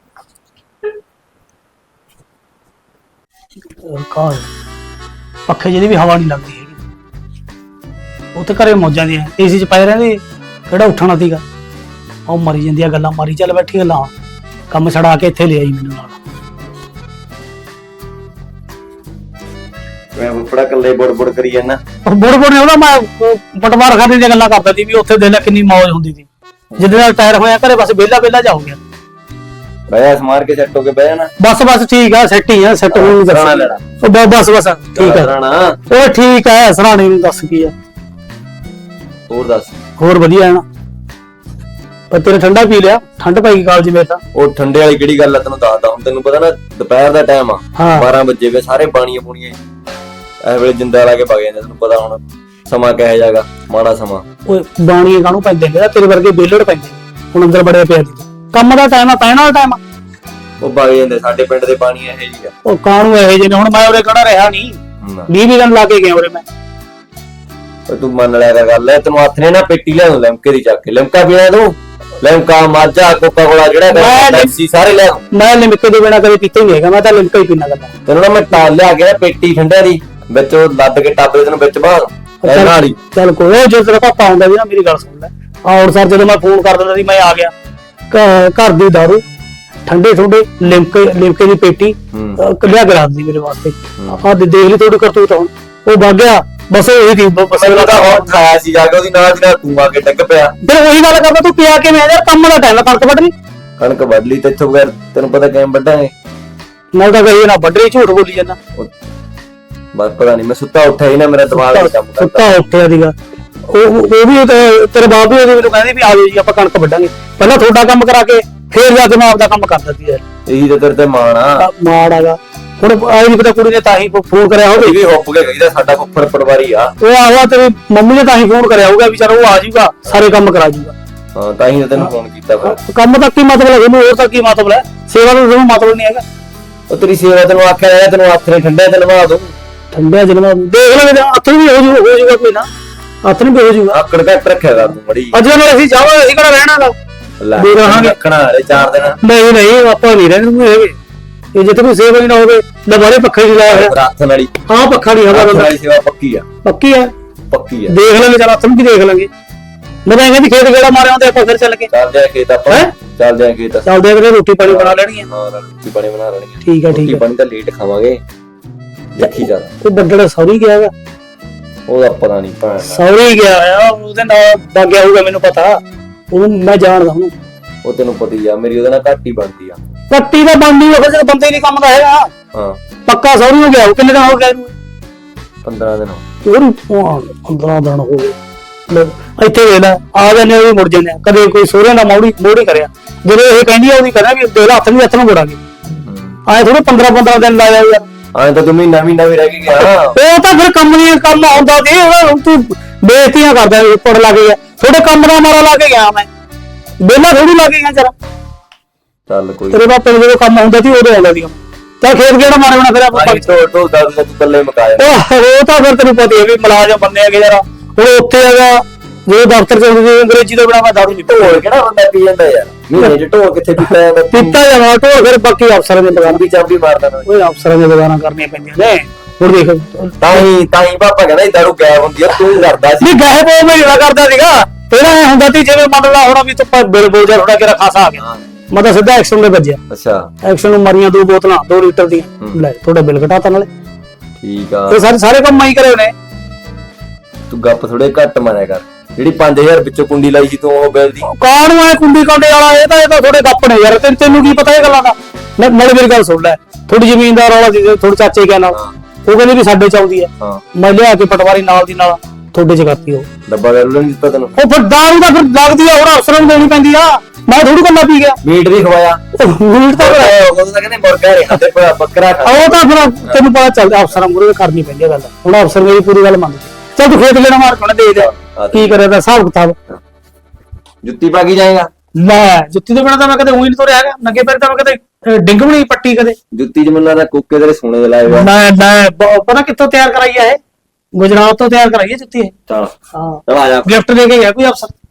ਕਾਹ ਪੱਖੇ ਜਿਹਦੀ ਵੀ ਹਵਾ ਨਹੀਂ ਲੱਗਦੀ ਹੈਗੀ। ਉੱਥੇ ਘਰੇ ਮੌਜਾਂ ਦੀਆਂ ਏਸੀ 'ਚ ਪਏ ਰਹਿੰਦੇ, ਕਿਹੜਾ ਉੱਠਣਾ ਸੀਗਾ। ਉਹ ਮਰੀ ਜਾਂਦੀਆਂ ਗੱਲਾਂ ਮਾਰੀ, ਚੱਲ ਬੈਠੀ ਗੱਲਾਂ, ਕੰਮ ਛੜਾ ਕੇ ਇੱਥੇ ਲੈ ਆਈ ਮੈਨੂੰ ਨਾਲ। ਮੈਂ ਫੜਾ ਕੱਲੇ ਬੁੜ ਬੁੜ ਕਰੀ ਜਾਂਦਾ। ਉਹ ਬੁੜ ਬੁੜ ਨੇ ਉਹਦਾ ਮੈਂ ਪਟਵਾਰ ਖਾਦੇ ਦੀਆਂ ਗੱਲਾਂ ਕਰਦਾ ਸੀ ਵੀ ਉੱਥੇ ਦੇਖ ਲੈ ਕਿੰਨੀ ਮੌਜ ਹੁੰਦੀ ਸੀ। ਜਿੱਦੇ ਨਾਲ ਟਾਇਰ ਹੋਇਆ ਘਰੇ ਬਸ ਵਿਹਲਾ ਵਿਹਲਾ ਜਾ ਹੋ ਗਿਆ। ਬਹਿਆ ਸਮਾਰ ਕੇ ਸੈੱਟ ਹੋ ਕੇ ਬਹਿ ਜਾਣਾ। ਬਸ ਬਸ ਠੀਕ ਆ, ਸੈੱਟ ਹੀ ਆ, ਸੈੱਟ ਹੋਣ ਨੂੰ ਸਰਾਣਾ ਦੱਸ। ਲੈਣਾ। ਉਹ ਬ- ਬਸ ਬਸ ਠੀਕ ਆ, ਰਾਣਾ ਉਹ ਠੀਕ ਆ। ਸਰਾਣੇ ਨੂੰ ਦੱਸ ਕੀ ਆ, ਹੋਰ ਦੱਸ। ਹੋਰ ਵਧੀਆ ਹੈ ਨਾ। ਪਰ ਤੇਰੇ ਠੰਡਾ ਪੀ ਲਿਆ, ਠੰਡ ਪੈ ਗਈ ਕਾਲਜ ਮੇਰੇ ਤਾਂ। ਉਹ ਠੰਡੇ ਵਾਲੀ ਕਿਹੜੀ ਗੱਲ ਆ, ਤੈਨੂੰ ਦੱਸਦਾ ਹੁਣ। ਤੈਨੂੰ ਪਤਾ ਨਾ ਦੁਪਹਿਰ ਦਾ ਟਾਈਮ ਆ, ਹਾਂ ਬਾਰਾਂ ਵਜੇ ਵੇ, ਸਾਰੇ ਪਾਣੀਆਂ ਪੂਣੀਆਂ ਇਸ ਵੇਲੇ ਜਿੰਦਾ ਲਾ ਕੇ ਵਗ ਜਾਂਦੇ। ਤੈਨੂੰ ਪਤਾ ਹੁਣ ਸਮਾਂ ਕਿਹੋ ਜਾਗਾ, ਮਾੜਾ ਸਮਾਂ। ਓਏ ਬਾਣੀਏ ਕਾਹਨੂੰ ਪੈਂਦੇ ਨੇ, ਤੇਰੇ ਵਰਗੇ ਬੇਲੜ ਪੈਂਦੇ ਹੁਣ ਅੰਦਰ ਬੜੇ ਪਿਆ ਦੀ। ਕੰਮ ਦਾ ਟਾਈਮ ਆ, ਪੈਣ ਵਾਲਾ ਟਾਈਮ ਆ। ਉਹ ਵਗ ਜਾਂਦੇ, ਸਾਡੇ ਪਿੰਡ ਦੇ ਪਾਣੀ ਇਹੋ ਜਿਹੀ ਆ। ਉਹ ਕਾਹਨੂੰ ਇਹੋ ਜਿਹੇ ਨੇ, ਹੁਣ ਮੈਂ ਉਰੇ ਕਿਹੜਾ ਰਿਹਾ ਨਹੀਂ, ਨਾ। ਵੀਹ ਵੀਹ ਦਿਨ ਲਾ ਕੇ ਗਿਆ ਉਰੇ ਮੈਂ। ਉਹ ਤੂੰ ਮੰਨ ਲਿਆ ਕਰ ਗੱਲ ਹੈ। ਤੈਨੂੰ ਹੱਥ ਨੇ ਨਾ ਪੇਟੀ ਲਿਆ ਦੂੰ ਲਿਮਕੇ ਦੀ ਚੱਕ ਕੇ। ਲਿਮਕਾ ਪੀਣਾ ਤੂੰ, ਲਿਮਕਾ, ਮਾਝਾ, ਕੋਕਾ ਕੋਲਾ, ਜਿਹੜਾ ਮੈਂ ਪੈਪਸੀ ਸਾਰੇ ਲਿਆ ਦੂੰ। ਮੈਂ ਲਿਮਕੇ ਦੇ ਬਿਨਾ ਕਦੇ ਪੀਤਾ ਹੀ ਨਹੀਂ ਹੈਗਾ, ਮੈਂ ਤਾਂ ਲਿਮਕਾ ਹੀ ਪੀਣਾ ਕਰਦਾ। ਤੈਨੂੰ ਨਾ ਮੈਂ ਟਾਲ ਲਿਆ ਕੇ ਨਾ ਪੇਟੀ ਠੰਡਿਆਂ ਦੀ, ਵਿੱਚ ਉਹ ਲੱਦ ਕੇ ਟੱਬ ਦੇ ਤੈਨੂੰ ਵਿੱਚ ਬਾਹਰ ਇਹਨਾਂ ਵਾਲੀ। ਚੱਲ ਕੋਈ, ਉਹ ਜਦੋਂ ਤੇਰਾ ਪਾਪਾ ਆਉਂਦਾ ਵੀ ਨਾ ਮੇਰੀ ਗੱਲ ਸੁਣ ਲੈ। ਔਰ ਸਰ ਜਦੋਂ ਮੈਂ ਫੋਨ ਕਰ ਦਿੰਦਾ ਸੀ ਮੈਂ ਆ ਗਿਆ, ਘ- ਘਰ ਦੀ ਦਾਰੂ, ਠੰਡੇ ਠੰਡੇ ਲਿਮਕੇ, ਲਿਮਕੇ ਦੀ ਪੇਟੀ ਹੂੰ ਅਹ ਲਿਆ ਕੇ ਰੱਖ ਦਿੱਤੀ ਮੇਰੇ ਵਾਸਤੇ। ਆਹ ਦੇ- ਦੇਖ ਲਈ ਥੋੜੀ ਕਰਤੂਤ ਹੁਣ। ਉਹ ਵਗ ਗਿਆ ਬਸ ਉਹੀ ਦੀ ਬਸ ਅਗਲਾ ਤਾਂ ਹੋਰ ਖਾਇਆ ਸੀ ਜਾ ਕੇ ਉਹਦੀ ਨਾਲ ਦੀ ਨਾਲ ਤੂੰ ਆ ਕੇ ਡਿੱਗ ਪਿਆ। ਫਿਰ ਉਹੀ ਗੱਲ ਕਰਦਾ, ਤੂੰ ਪਿਆ ਕੇ ਮੈਂ ਯਾਰ ਕੰਮ ਦਾ ਟਾਈਮ ਕਣਕ ਵੱਢਣੀ। ਕਣਕ ਵੱਢ ਲਈ ਤੇ ਇੱਥੋਂ ਬਗੈਰ ਤੈਨੂੰ ਪਤਾ ਕਿਵੇਂ ਵੱਢਾਂਗੇ। ਨਾਲ ਤਾਂ ਕਹੀ ਨਾ ਵੱਢਣੀ, ਝੂਠ ਬੋਲੀ ਜਾਂਦਾ। ਬਸ ਪਤਾ ਨਹੀਂ, ਮੈਂ ਸੁੱਤਾ ਉੱਠਿਆ ਹੀ ਨਾ, ਮੇਰਾ ਦਿਮਾਗ ਨਹੀਂ ਕੰਮ ਕਰਦਾ। ਸੁੱਤਾ ਉੱਠਿਆ ਸੀਗਾ ਉਹ ਉਹ ਵੀ ਤੇ- ਤੇਰੇ ਬਾਪ ਵੀ ਉਹਦੇ ਮੈਨੂੰ ਕਹਿੰਦੇ ਵੀ ਆ ਜਾਓ ਜੀ ਆਪਾਂ ਕਣਕ ਵੱਢਾਂਗੇ, ਪਹਿਲਾਂ ਤੁਹਾਡਾ ਕੰਮ ਕਰਾ ਕੇ ਫੇਰ ਜਾ ਕੇ ਮੈਂ ਆਪਦਾ ਕੰਮ ਕਰਦਾ ਸੀ ਯਾਰ। ਇਹੀ ਤਾਂ ਤੇਰੇ ਤੇ ਮਾਣ ਆ। ਮਾੜ ਆਗਾ ਹੁਣ ਆਈ ਨਹੀਂ ਪਤਾ ਕੁੜੀ ਨੇ ਤਾਂ ਹੀ ਫੋਨ ਕਰਿਆ ਹੋਵੇ। ਇਹ ਵੀ ਹੁੱਪ ਕੇ ਗਈ ਦਾ ਸਾਡਾ ਫੁੱਫੜ ਪਟਵਾਰੀ ਆ। ਉਹ ਆਵਾ ਤੇਰੀ ਮੰਮੀ ਨੇ ਤਾਂ ਹੀ ਫੋਨ ਕਰਿਆ ਹੋਊਗਾ ਵੀ ਚਲੋ ਉਹ ਆ ਜਾਊਗਾ, ਸਾਰੇ ਕੰਮ ਕਰਾ ਜਾਊਗਾ। ਹਾਂ ਤਾਂ ਹੀ ਤਾਂ ਤੈਨੂੰ ਫੋਨ ਕੀਤਾ ਫਿਰ। ਕੰਮ ਦਾ ਕੀ ਮਤਲਬ ਹੈ ਇਹਨੂੰ, ਹੋਰ ਤਾਂ ਕੀ ਮਤਲਬ ਹੈ? ਸੇਵਾ ਦਾ ਤੁਹਾਨੂੰ ਮਤਲਬ ਨਹੀਂ ਹੈਗਾ। ਉਹ ਤੇਰੀ ਸੇਵਾ ਤੈਨੂੰ ਆਖਿਆ ਰਿਹਾ, ਤੈਨੂੰ ਹੱਥ ਨੇ ਠੰਡੇ ਤੇ ਲਵਾ ਦੂੰ। ਠੰਡਿਆ ਜਨਮ ਦੇਖ ਲਾਂਗੇ, ਹੱਥ ਵੀ ਹੋ ਜੂ ਹੋ ਜੂਗਾ ਕੋਈ ਨਾ, ਹੱਥ ਨਹੀਂ ਹੋ ਜੂਗਾ। ਆਕੜ ਘੱਟ ਰੱਖਿਆ ਕਰ ਤੂੰ ਮੜੀ। ਅੱਜ ਨਾਲ ਅਸੀਂ ਜਾਵਾਂਗੇ, ਅਸੀਂ ਕਿਹੜਾ ਰਹਿਣਾ ਗਾ। ਲੈ ਦੇ ਰਹਾਂਗੇ। ਰੱਖਣਾ ਹਲੇ ਚਾਰ ਦਿਨ। ਨਹੀਂ ਨਹੀਂ ਆਪਾਂ ਨਹੀਂ ਰਹਿਣੇ ਹੈਗੇ, ਇਹ ਜਿੱਥੇ ਕੋਈ ਸੇਵਾ ਹੀ ਨਾ ਹੋਵੇ। ਲਵਾਰੇ ਪੱਖੇ ਨਹੀਂ ਲਾਇਆ ਹੋਇਆ। ਰਾਤ ਨਾਲੀ ਹਾਂ ਪੱਖਾ ਨਹੀਂ ਹਵਾ ਹਵਾ ਬੰਦਾ ਵਾਲੀ ਸੇਵਾ ਪੱਕੀ ਆ। ਪੱਕੀ ਹੈ, ਪੱਕੀ ਆ। ਦੇਖ ਲਾਂਗੇ ਚਲ ਹੱਥ ਨੂੰ ਕੀ ਦੇਖ ਲਾਂਗੇ। ਮੈਂ ਤਾਂ ਕਹਿੰਦੀ ਖੇਤ ਗੇੜਾ ਮਾਰਿਆ ਹੁੰਦੇ ਆਪਾਂ ਫਿਰ ਚੱਲ ਕੇ ਚੱਲ ਜਾ ਖੇਤ ਆਪਾਂ। ਹੈਂ? ਚੱਲ ਜਾ ਖੇਤ। ਚੱਲਦੇ ਆ, ਰੋਟੀ ਪਾਣੀ ਬਣਾ ਲੈਣੀ ਹੈ। ਹਾਂ ਰੋਟੀ ਪਾਣੀ ਬਣਾ ਲੈਣੀ ਆ। ਠੀਕ ਆ ਠੀਕ ਰੋਟੀ ਆ। ਪਾਣੀ ਤਾਂ ਲੇਟ ਖਾਵਾਂਗੇ, ਦੇਖੀ ਜਾ। ਉਹ ਬੰਦੜਾ ਸੌਰੀ ਗਿਆ ਵਾ, ਉਹਦਾ ਪਤਾ ਨਹੀਂ ਭੈਣ ਦਾ। ਸੌਰੀ ਗਿਆ ਆ, ਉਹਦੇ ਨਾਲ ਵਗ ਗਿਆ ਹੋਊਗਾ, ਮੈਨੂੰ ਪਤਾ। ਉਹਨੂੰ ਮੈਂ ਜਾਣਦਾ ਉਹਨੂੰ। ਉਹ ਤੈਨੂੰ ਪਤਾ ਹੀ ਆ, ਮੇਰੀ ਉਹਦੇ ਨਾਲ ਘੱਟ ਹੀ ਬਣਦੀ ਆ। ਕੱਟੀ ਤਾਂ ਬਣਦੀ ਹੋਵੇ ਜਦੋਂ ਬੰਦੇ ਨਹੀਂ ਕੰਮ ਦਾ ਹੈਗਾ। ਹਾਂ ਪੱਕਾ ਸੌਰੀ ਹੋ ਗਿਆ। ਉਹ ਕਿੰਨੇ ਦਿਨ ਹੋ ਗਏ ਇਹਨੂੰ? ਪੰਦਰਾਂ ਦਿਨ ਉਹਨੂੰ ਪੰਦਰਾਂ ਦਿਨ ਹੋ ਗਏ। ਲੈ, ਇੱਥੇ ਵੇਖ ਲੈ, ਆ ਜਾਂਦੇ ਉਹ ਵੀ ਮੁੜ ਜਾਂਦੇ ਆ। ਕਦੇ ਕੋਈ ਸੋਹਰੇ ਨਾਲ ਮੋੜੀ ਮੋੜੀ ਕਰਿਆ, ਜਦੋਂ ਇਹ ਕਹਿੰਦੀ ਆ ਉਹਦੀ ਕਰਿਆ ਵੀ ਦੇ ਹੱਥ ਵੀ ਹੱਥ ਨੂੰ ਮੋੜਾਂਗੇ। ਆਏ ਥੋੜੇ ਪੰਦਰਾਂ ਪੰਦਰਾਂ ਦਿਨ ਲਾਇਆ ਯਾਰ। ਆਏ ਤਾਂ ਤੂੰ ਮਹੀਨਾ ਮਹੀਨਾ ਵੀ ਰਹਿ ਕੇ ਗਿਆ। ਉਹ ਤਾਂ ਫਿਰ ਕੰਮ ਨਹੀਂ ਕੰਮ ਆਉਂਦਾ ਸੀ। ਉਹ ਤੂੰ ਬੇਇੱਜ਼ਤੀਆਂ ਕਰਦਾ ਉੱਪਰ ਲੱਗ ਗਿਆ। ਥੋੜੇ ਕੰਮ ਦਾ ਮਾਰਾ ਲਾ ਕੇ ਗਿਆ ਮੈਂ, ਵਿਹਲਾ ਥੋੜੀ ਲਾ ਕੇ ਗਿਆ ਜਰਾ। ਚੱਲ ਕੋਈ ਤੇਰੇ ਬਾਪੇ ਨੂੰ ਜਦੋਂ ਕੰਮ ਹੁੰਦਾ ਸੀ ਉਦੋਂ ਆਉਂਦਾ ਸੀ। ਤਾਂ ਖੇਤ ਕਿਹੜਾ ਮਾਰੇ ਬਣਾ ਫਿਰ ਆਪਾਂ। ਭਾਈ ਢੋਲ ਢੋਲ ਦਾ ਤੂੰ ਕੱਲੇ ਮਕਾਇਆ। ਉਹ ਉਹ ਤਾਂ ਫਿਰ ਤੈਨੂੰ ਪਤਾ ਹੀ ਹੈ ਵੀ ਮੁਲਾਜ਼ਮ ਬੰਦੇ ਹੈਗੇ ਯਾਰ। ਹੁਣ ਉੱਥੇ ਹੈਗਾ ਜਦੋਂ ਦਫ਼ਤਰ ਚ ਹੁੰਦੇ ਅੰਗਰੇਜ਼ੀ ਦਾ ਬਣਾ ਮੈਂ ਦਾਰੂ ਨਹੀਂ ਢੋਲ ਕਿਹੜਾ ਬੰਦਾ ਪੀ ਜਾਂਦਾ ਯਾਰ? ਮਹੀਨੇ ਚ ਢੋਲ ਕਿੱਥੇ ਪੀਤਾ ਜਾਂਦਾ? ਪੀਤਾ ਜਾਵਾ ਢੋਲ, ਫਿਰ ਬਾਕੀ ਅਫਸਰਾਂ ਦੇ ਦੁਕਾਨ ਚਾਬੀ ਚਾਬੀ ਮਾਰਦਾ ਨਾ। ਉਹ ਅਫਸਰਾਂ ਦੀਆਂ ਦੁਕਾਨਾਂ ਕਰਨੀਆਂ ਪੈਂਦੀਆਂ ਨੇ। ਹੁਣ ਦੇਖ ਤਾਂ ਹੀ ਤਾਂ ਹੀ ਪਾਪਾ ਕਹਿੰਦਾ ਦਾਰੂ ਗਾਇਬ ਹੁੰਦੀ ਆ, ਤੂੰ ਕਰਦਾ ਸੀ। ਨਹੀਂ ਗਾਇਬ ਉਹ ਮੈਂ ਜਿਹੜਾ ਕਰਦਾ ਸੀਗਾ ਪਹਿਲਾਂ ਇਹ ਹੁੰਦਾ ਸੀ ਜਿਵੇਂ ਮੰਨ ਲਾ ਹੁਣ ਵੀ ਤੂੰ ਬਿਲ ਬੋਲ ਜਾ ਥੋੜਾ ਕਿਹੜਾ ਖਾਸਾ ਆ ਗਿਆ, ਮੈਂ ਤਾਂ ਸਿੱਧਾ ਐਕਸ਼ਨ ਦੇ ਵੱਜਿਆ। ਅੱਛਾ ਐਕਸ਼ਨ ਨੂੰ ਮਾਰੀਆਂ ਦੋ ਬੋਤਲਾਂ ਦੋ ਲੀਟਰ ਦੀਆਂ, ਲੈ ਤੁਹਾਡਾ ਬਿੱਲ ਘਟਾਤਾ ਨਾਲੇ। ਠੀਕ ਆ, ਇਹ ਸਾਰੇ ਸਾਰੇ ਕੰਮ ਮੈਂ ਹੀ ਕਰੇ ਨੇ। ਤੂੰ ਗੱਪ ਥੋੜੇ ਘੱਟ ਮਾਰਿਆ ਕਰ। ਜਿਹੜੀ ਪੰਜ ਹਜ਼ਾਰ ਵਿੱਚੋਂ ਕੁੰਡੀ ਲਾਈ ਸੀ ਤੂੰ ਉਹ ਬਿੱਲ ਦੀ। ਕਾਣ ਨੂੰ ਐ ਕੁੰਡੀ ਕਾਂਡੇ ਵਾਲਾ, ਇਹ ਤਾਂ ਇਹ ਤਾਂ ਥੋੜੇ ਗੱਪ ਨੇ ਯਾਰ। ਤੈਨੂੰ ਤੈਨੂੰ ਕੀ ਪਤਾ ਇਹ ਗੱਲਾਂ ਦਾ? ਨਾ- ਨਾਲੇ ਮੇਰੀ ਗੱਲ ਸੁਣ ਲੈ, ਥੋੜੀ ਜ਼ਮੀਨ ਦਾ ਰੌਲਾ ਸੀ ਥੋੜੇ ਚਾਚੇ ਕੇ ਨਾਲ। ਉਹ ਕਹਿੰਦੇ ਵੀ ਸਾਡੇ ਚ ਆਉਂਦੀ ਹੈ, ਹਾਂ ਮੈਂ ਲਿਆ ਕੇ ਪਟਵਾਰੀ ਨਾਲ ਦੀ ਨਾਲ ਤੁਹਾਡੇ ਚ ਕਰਤੀ। ਉਹ ਡੱਬਾ ਗੈਰ ਨਹੀਂ ਦਿੱਤਾ ਤੈਨੂੰ? ਉਹ ਫਿਰ ਦਾਰੂ ਦਾ ਫਿਰ ਲੱਗਦੀ ਆ, ਹੁਣ ਅਫਸਰਾਂ ਨੂੰ ਦੇਣੀ ਪੈਂਦੀ ਆ। ਮੈਂ ਥੋੜੀ ਗੱਲਾਂ ਪੀ ਗਿਆ। ਮੀਟ ਵੀ ਖਵਾਇਆ। ਮੀਟ ਤਾਂ ਫਿਰ ਉਹ ਤਾਂ ਕਹਿੰਦੇ ਮੁਰਗਾ ਰਿਹਾ ਤੇ ਬੱਕਰਾ ਖਾ। ਉਹ ਤਾਂ ਫਿਰ ਤੈਨੂੰ ਪਤਾ ਚੱਲਦਾ, ਅਫਸਰਾਂ ਮੂਹਰੇ ਕਰਨੀ ਪੈਂਦੀ ਆ ਗੱਲ। ਹੁਣ ਅਫਸਰ ਮੇਰੀ ਪੂਰੀ ਗੱਲ ਮੰਨਦੇ। ਚੱਲ ਤੂੰ ਖੇਤ ਲੈਣਾ ਮਾਰ ਕੋਣ ਦੇ ਦੇ ਕੀ ਕਰਿਆ ਦਾ ਹਿਸਾਬ ਕਿਤਾਬ। ਜੁੱਤੀ ਪਾ ਕੇ ਜਾਏਗਾ? ਲੈ ਜੁੱਤੀ ਤੋਂ ਬਿਨਾਂ ਤਾਂ ਮੈਂ ਕਦੇ ਉਹੀ ਨਹੀਂ ਤੁਰਿਆ ਹੈਗਾ। ਨੰਗੇ ਪੈਰ ਤਾਂ ਮੈਂ ਕਦੇ ਡਿੰਗ ਵੀ ਨਹੀਂ ਪੱਟੀ ਕਦੇ। ਜੁੱਤੀ ਚ ਮੈਨੂੰ ਲੱਗਦਾ ਕੋਕੇ ਤੇਰੇ ਸੋਨੇ ਦੇ ਲਾਏ ਹੋਏ ਆ। ਮੈਂ ਮੈਂ ਬ- ਪਤਾ ਕਿੱਥੋਂ ਤਿਆਰ ਕਰਾਈ ਆ ਇਹ? ਗੁਜਰਾਤ ਤੋਂ ਤਿਆਰ ਕਰਾਈ ਹੈ ਜੁੱਤੀ ਇਹ। ਚੱਲ ਹਾਂ ਚੱਲ ਆ ਜਾ। ਗਿਫਟ ਦੇ ਕੇ ਗਿਆ ਕੋਈ ਅਫਸਰ।